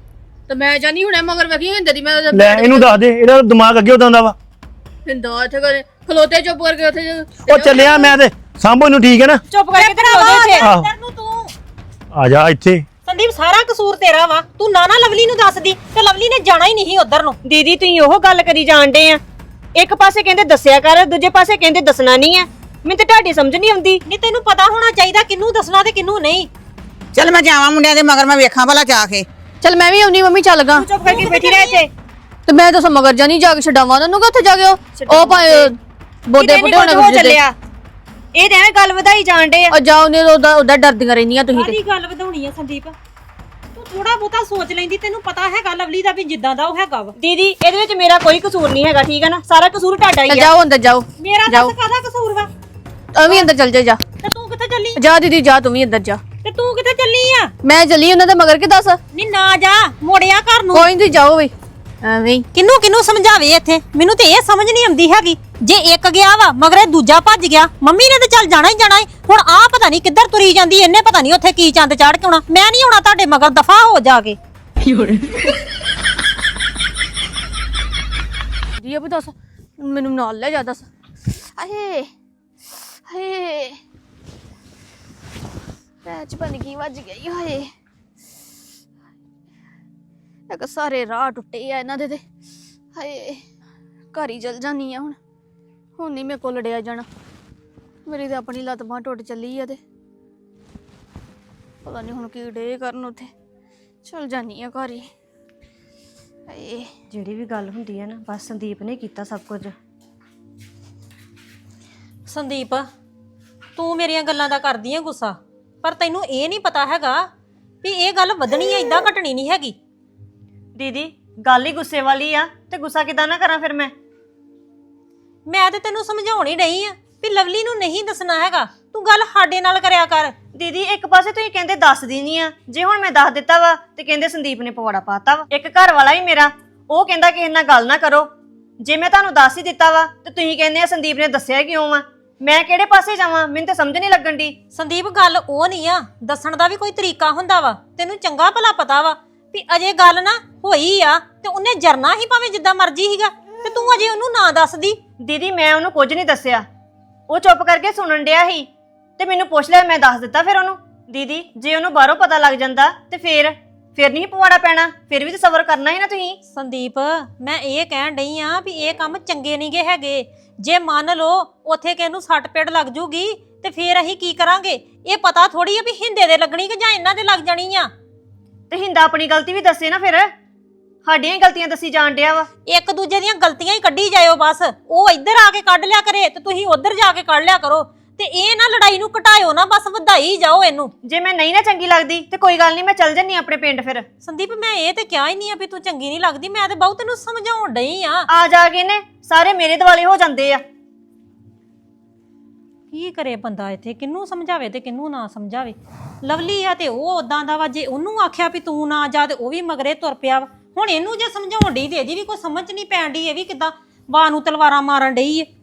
ਤੇ ਮੈਂ ਜਾਨੀ ਹੁਣੇ ਮਗਰ ਵੇਖੀ ਹਿੰਦੇ ਦੀ। ਮੈਂ ਲੈ ਇਹਨੂੰ ਦੱਸ ਦੇ, ਇਹਦਾ ਦਿਮਾਗ ਅੱਗੇ ਉਦਾਂ ਦਾ ਵਾ। ਹਿੰਦਾ ਇੱਥੇ ਕਰੇ ਖਲੋਤੇ ਚੁੱਪ ਕਰਕੇ ਉੱਥੇ ਉਹ ਚੱਲਿਆ ਮੈਂ ਤੇ ਸਾਂਭੋ ਇਹਨੂੰ, ਠੀਕ ਹੈ ਨਾ। ਚੁੱਪ ਕਰਕੇ ਤੇ ਰੋਦੇ ਇੱਥੇ। ਆਹੋ। ਇੱਧਰ ਨੂੰ ਤੂੰ। ਆ ਜਾ ਇੱਥੇ। ਸੰਦੀਪ ਸਾਰਾ ਕਸੂਰ ਤੇਰਾ ਵਾ। ਤੂੰ ਨਾ ਨਾ ਲਵਲੀ ਨੂੰ ਦੱਸਦੀ ਤੇ ਲਵਲੀ ਨੇ ਜਾਣਾ ਹੀ ਨਹੀਂ ਉਧਰ ਨੂੰ। ਦੀਦੀ ਤੁਸੀਂ ਉਹ ਗੱਲ ਕਰੀ ਜਾਣਦੇ ਆ। ਇੱਕ ਪਾਸੇ ਕਹਿੰਦੇ ਦੱਸਿਆ ਕਰ, ਦੂਜੇ ਪਾਸੇ ਕਹਿੰਦੇ ਦੱਸਣਾ ਨਹੀਂ ਆ। ਮੈਨੂੰ ਤੇ ਤੁਹਾਡੀ ਸਮਝ ਨਹੀਂ ਆਉਂਦੀ। ਨਹੀਂ ਤੈਨੂੰ ਪਤਾ ਹੋਣਾ ਚਾਹੀਦਾ ਕਿਹਨੂੰ ਦੱਸਣਾ ਤੇ ਕਿਹਨੂੰ ਨਹੀਂ। ਚੱਲ ਮੈਂ ਜਾਵਾਂ ਮੁੰਡਿਆਂ ਦੇ ਮਗਰ, ਮੈਂ ਵੇਖਾਂ ਭਲਾ ਜਾ ਕੇ। ਚੱਲ ਮੈਂ ਵੀ ਆਉਣੀ ਮੰਮੀ, ਚੱਲ ਗਾ। ਚੁੱਪ ਕਰਕੇ ਬੈਠੀ ਰਹਿ ਇੱਥੇ। ਤੇ ਮੈਂ ਤਾਂ ਮਗਰ ਜਾਨੀ ਜਾ ਕੇ ਛਡਾਵਾਂ ਉਹਨੂੰ ਕਿ ਉੱਥੇ ਜਾ ਕੇ ਉਹ ਉਹ ਭਾਵੇਂ ਬੋਦੇ ਬੁੱਢੇ ਹੋਣੇ ਹੋ ਗੁੱਜੇ ਚੱਲਿਆ। ਇਹ ਤਾਂ ਐਵੇਂ ਗੱਲ ਵਧਾਈ ਜਾਣਦੇ ਆ। ਉਹ ਜਾ ਉਹਨੇ ਉਹਦਾ ਉਹਦਾ ਡਰਦੀਆਂ ਰਹਿੰਦੀਆਂ ਤੁਸੀਂ ਤੇ। ਸਾਰੀ ਗੱਲ ਵਧਾਉਣੀ ਆ ਸੰਦੀਪ। ਤੂੰ ਥੋੜਾ ਬਹੁਤਾ ਸੋਚ ਲੈਂਦੀ। ਤੈਨੂੰ ਪਤਾ ਹੈਗਾ ਲਵਲੀ ਦਾ ਵੀ ਜਿੱਦਾਂ ਦਾ ਉਹ ਹੈਗਾ ਵਾ। ਦੀਦੀ ਇਹਦੇ ਵਿੱਚ ਮੇਰਾ ਕੋਈ ਕਸੂਰ ਨਹੀਂ ਹੈਗਾ, ਠੀਕ ਹੈ ਨਾ। ਸਾਰਾ ਕਸੂਰ ਤੁਹਾਡਾ ਹੀ ਚੱਲ ਆ। ਜਾਓ ਅੰਦਰ ਜਾਓ। ਮੇਰਾ ਜਾਓ। ਦੱਸ ਕਾਹਦਾ ਕਸੂਰ ਵਾ? ਤੂੰ ਵੀ ਅੰਦਰ ਚੱਲ ਜਾ ਜਾ। ਤੇ ਤੂੰ ਕਿੱਥੇ ਚੱਲੀ? ਜਾ ਦੀਦੀ ਜਾ, ਤੂੰ ਵੀ ਅੰਦਰ ਜਾ। ਤੇ ਤੂੰ ਕਿੱਥੇ ਚੱਲੀ ਆ? ਮੈਂ ਚੱਲੀ ਉਹਨਾਂ ਦੇ ਮਗਰ ਕਿ ਦੱਸ। ਨਹੀਂ ਨਾ ਜਾ, ਮੋੜਿਆ ਘਰ ਨੂੰ। ਕੋਈ ਨਹੀਂ ਜਾਓ ਵੀ ਐਵੇਂ। ਕਿੰਨੂੰ ਕਿੰਨੂੰ ਸਮਝਾਵੇ ਇੱਥੇ? ਮੈਨੂੰ ਤੇ ਇਹ ਸਮਝ ਨਹੀਂ ਆਉਂਦੀ ਹੈਗੀ। ਜੇ ਇੱਕ ਗਿਆ ਵਾ ਮਗਰੇ ਦੂਜਾ ਭੱਜ ਗਿਆ। ਮੰਮੀ ਨੇ ਤੇ ਚੱਲ ਜਾਣਾ ਹੀ ਜਾਣਾ ਏ। ਹੁਣ ਆ ਪਤਾ ਨਹੀਂ ਕਿੱਧਰ ਤੁਰੀ ਜਾਂਦੀ। ਇਹਨੇ ਪਤਾ ਨਹੀਂ ਉੱਥੇ ਕੀ ਚੰਦ ਚਾੜ ਕੇ ਆਉਣਾ। ਮੈਂ ਨਹੀਂ ਆਉਣਾ ਤੁਹਾਡੇ ਮਗਰ, ਦਫਾ ਹੋ ਜਾ ਕੇ। ਜੀ ਅਬ ਦੱਸ ਮੈਨੂੰ ਨਾਲ ਲੈ ਜਾ ਦੱਸ। ਆਏ ਹਾਏ ਪੈਚ ਬਣ ਗਈ, ਵੱਜ ਗਈ। ਹਾਏ ਇੱਕ ਸਾਰੇ ਰਾਹ ਟੁੱਟੇ ਆ ਇਹਨਾਂ ਦੇ ਤੇ। ਹਾਏ ਘਰ ਹੀ ਚਲ ਜਾਨੀ ਆ ਹੁਣ। ਹੁਣ ਨਹੀਂ ਮੇਰੇ ਕੋਲ ਲੜਿਆ ਜਾਣਾ। ਮੇਰੀ ਤਾਂ ਆਪਣੀ ਲੱਤ ਬਾਂਹ ਟੁੱਟ ਚੱਲੀ ਆ ਤੇ ਪਤਾ ਨਹੀਂ ਹੁਣ ਕੀ ਡੇ ਕਰਨ ਉੱਥੇ। ਚਲ ਜਾਨੀ ਆ ਘਰ ਹੀ। ਹਾਏ ਜਿਹੜੀ ਵੀ ਗੱਲ ਹੁੰਦੀ ਹੈ ਨਾ, ਬਸ ਸੰਦੀਪ ਨੇ ਕੀਤਾ ਸਭ ਕੁਝ। ਸੰਦੀਪ ਤੂੰ ਮੇਰੀਆਂ ਗੱਲਾਂ ਦਾ ਕਰਦੀ ਆ ਗੁੱਸਾ, ਪਰ ਤੈਨੂੰ ਇਹ ਨਹੀਂ ਪਤਾ ਹੈਗਾ ਵੀ ਇਹ ਗੱਲ ਵਧਣੀ ਆ, ਇਦਾਂ ਘਟਣੀ ਨਹੀਂ ਹੈਗੀ। ਦੀਦੀ ਗੱਲ ਹੀ ਗੁੱਸੇ ਵਾਲੀ ਆ, ਤੇ ਗੁੱਸਾ ਕਿਦਾਂ ਨਾ ਕਰਾਂ ਫਿਰ ਮੈਂ। ਮੈਂ ਤੇ ਤੈਨੂੰ ਸਮਝਾਉਣ ਹੀ ਡਈ ਆ ਵੀ ਲਵਲੀ ਨੂੰ ਨਹੀਂ ਦੱਸਣਾ ਹੈਗਾ। ਤੂੰ ਗੱਲ ਸਾਡੇ ਨਾਲ ਕਰਿਆ ਕਰ। ਦੀਦੀ ਇੱਕ ਪਾਸੇ ਤੁਸੀਂ ਕਹਿੰਦੇ ਦੱਸਦੀ ਨਹੀਂ ਆ, ਜੇ ਹੁਣ ਮੈਂ ਦੱਸ ਦਿੱਤਾ ਵਾ ਤੇ ਕਹਿੰਦੇ ਸੰਦੀਪ ਨੇ ਪਵਾੜਾ ਪਾਤਾ ਵਾ। ਇੱਕ ਘਰ ਵਾਲਾ ਹੀ ਮੇਰਾ, ਉਹ ਕਹਿੰਦਾ ਕਿਸੇ ਨਾਲ ਗੱਲ ਨਾ ਕਰੋ। ਜੇ ਮੈਂ ਤੁਹਾਨੂੰ ਦੱਸ ਹੀ ਦਿੱਤਾ ਵਾ ਤੇ ਤੁਸੀਂ ਕਹਿੰਦੇ ਆ ਸੰਦੀਪ ਨੇ ਦੱਸਿਆ ਕਿਉਂ ਵਾ। ਮੈਂ ਕਿਹੜੇ ਪਾਸੇ ਜਾਵਾਂ? ਮੈਨੂੰ ਤਾਂ ਸਮਝ ਨਹੀਂ ਲੱਗਣ ਦੀ। ਸੰਦੀਪ ਗੱਲ ਉਹ ਨਹੀਂ ਆ, ਦੱਸਣ ਦਾ ਵੀ ਕੋਈ ਤਰੀਕਾ ਹੁੰਦਾ ਵਾ। ਤੈਨੂੰ ਚੰਗਾ ਭਲਾ ਪਤਾ ਵਾ ਵੀ ਅਜੇ ਗੱਲ ਨਾ ਹੋਈ ਆ ਤੇ ਉਹਨੇ ਜਰਨਾ ਹੀ ਭਾਵੇਂ ਜਿੱਦਾਂ ਮਰਜ਼ੀ ਸੀਗਾ, ਤੇ ਤੂੰ ਅਜੇ ਉਹਨੂੰ ਨਾ ਦੱਸਦੀ। ਦੀਦੀ ਮੈਂ ਉਹਨੂੰ ਕੁਝ ਨਹੀਂ ਦੱਸਿਆ, ਉਹ ਚੁੱਪ ਕਰਕੇ ਸੁਣਨ ਡਿਆ ਸੀ ਤੇ ਮੈਨੂੰ ਪੁੱਛ ਲਿਆ, ਮੈਂ ਦੱਸ ਦਿੱਤਾ ਫਿਰ ਉਹਨੂੰ। ਦੀਦੀ ਜੇ ਉਹਨੂੰ ਬਾਹਰੋਂ ਪਤਾ ਲੱਗ ਜਾਂਦਾ ਤੇ ਫੇਰ ਫਿਰ ਨਹੀਂ ਪਵਾੜਾ ਪੈਣਾ, ਫਿਰ ਵੀ ਤਾਂ ਸਬਰ ਕਰਨਾ ਹੀ ਨਾ ਤੁਸੀਂ। ਸੰਦੀਪ ਮੈਂ ਇਹ ਕਹਿਣ ਡਈ ਆ ਵੀ ਇਹ ਕੰਮ ਚੰਗੇ ਨਹੀਂਗੇ ਹੈਗੇ। ਜੇ ਮੰਨ ਲਓ ਉੱਥੇ ਕਿਸੇ ਨੂੰ ਸੱਟ ਪੇੜ ਲੱਗ ਜੂਗੀ ਤੇ ਫੇਰ ਅਸੀਂ ਕੀ ਕਰਾਂਗੇ? ਇਹ ਪਤਾ ਥੋੜੀ ਆ ਵੀ ਹਿੰਦੇ ਦੇ ਲੱਗਣੀ ਕਿ ਜਾਂ ਇਹਨਾਂ ਦੇ ਲੱਗ ਜਾਣੀ ਆ। ਤੇ ਹਿੰਦਾ ਆਪਣੀ ਗਲਤੀ ਵੀ ਦੱਸੇ ਨਾ, ਫਿਰ ਸਾਡੀਆਂ ਹੀ ਗਲਤੀਆਂ ਦੱਸੀ ਜਾਣ ਡਿਆ ਵਾ। ਇੱਕ ਦੂਜੇ ਦੀਆਂ ਗਲਤੀਆਂ ਹੀ ਕੱਢੀ ਜਾਇਓ ਬਸ। ਉਹ ਇੱਧਰ ਆ ਕੇ ਕੱਢ ਲਿਆ ਕਰੇ ਤੇ ਤੁਸੀਂ ਉੱਧਰ ਜਾ ਕੇ ਕੱਢ ਲਿਆ ਕਰੋ। ਤੇ ਇਹ ਨਾ ਲੜਾਈ ਨੂੰ ਘਟਾਇਓ ਨਾ, ਬਸ ਵਧਾਈ ਜਾਓ ਇਹਨੂੰ। ਜੇ ਮੈਂ ਨਹੀਂ ਨਾ ਚੰਗੀ ਲੱਗਦੀ ਤੇ ਕੋਈ ਗੱਲ ਨਹੀਂ, ਮੈਂ ਚੱਲ ਜੰਨੀ ਆਪਣੇ ਪਿੰਡ ਫਿਰ। ਸੰਦੀਪ ਮੈਂ ਇਹ ਤੇ ਕਿਹਾ ਹੀ ਨਹੀਂ ਆ ਵੀ ਤੂੰ ਚੰਗੀ ਨਹੀਂ ਲੱਗਦੀ, ਮੈਂ ਤੇ ਬਹੁਤ ਤੈਨੂੰ ਸਮਝਾਉਣ ਡਈ ਆ। ਆ ਜਾ ਕੇ ਨੇ ਸਾਰੇ ਮੇਰੇ ਦਿਵਾਲੇ ਹੋ ਜਾਂਦੇ ਆ। ਕੀ ਕਰੇ ਬੰਦਾ ਇੱਥੇ, ਕਿਹਨੂੰ ਸਮਝਾਵੇ ਤੇ ਕਿਹਨੂੰ ਨਾ ਸਮਝਾਵੇ। ਲਵਲੀ ਆ ਤੇ ਉਹ ਉਦਾਂ ਦਾ ਵਾ, ਜੇ ਉਹਨੂੰ ਆਖਿਆ ਵੀ ਤੂੰ ਨਾ ਜਾ ਤੇ ਉਹ ਵੀ ਮਗਰੇ ਤੁਰ ਪਿਆ ਵਾ। ਹੁਣ ਇਹਨੂੰ ਜੇ ਸਮਝਾਉਣ ਡਈ ਤੇ ਇਹਦੀ ਵੀ ਕੋਈ ਸਮਝ ਨਹੀਂ ਪੈਣ ਡਈ, ਇਹ ਵੀ ਕਿਦਾਂ ਵਾਹ ਨੂੰ ਤਲਵਾਰਾਂ ਮਾਰਨ ਡਈ ਏ।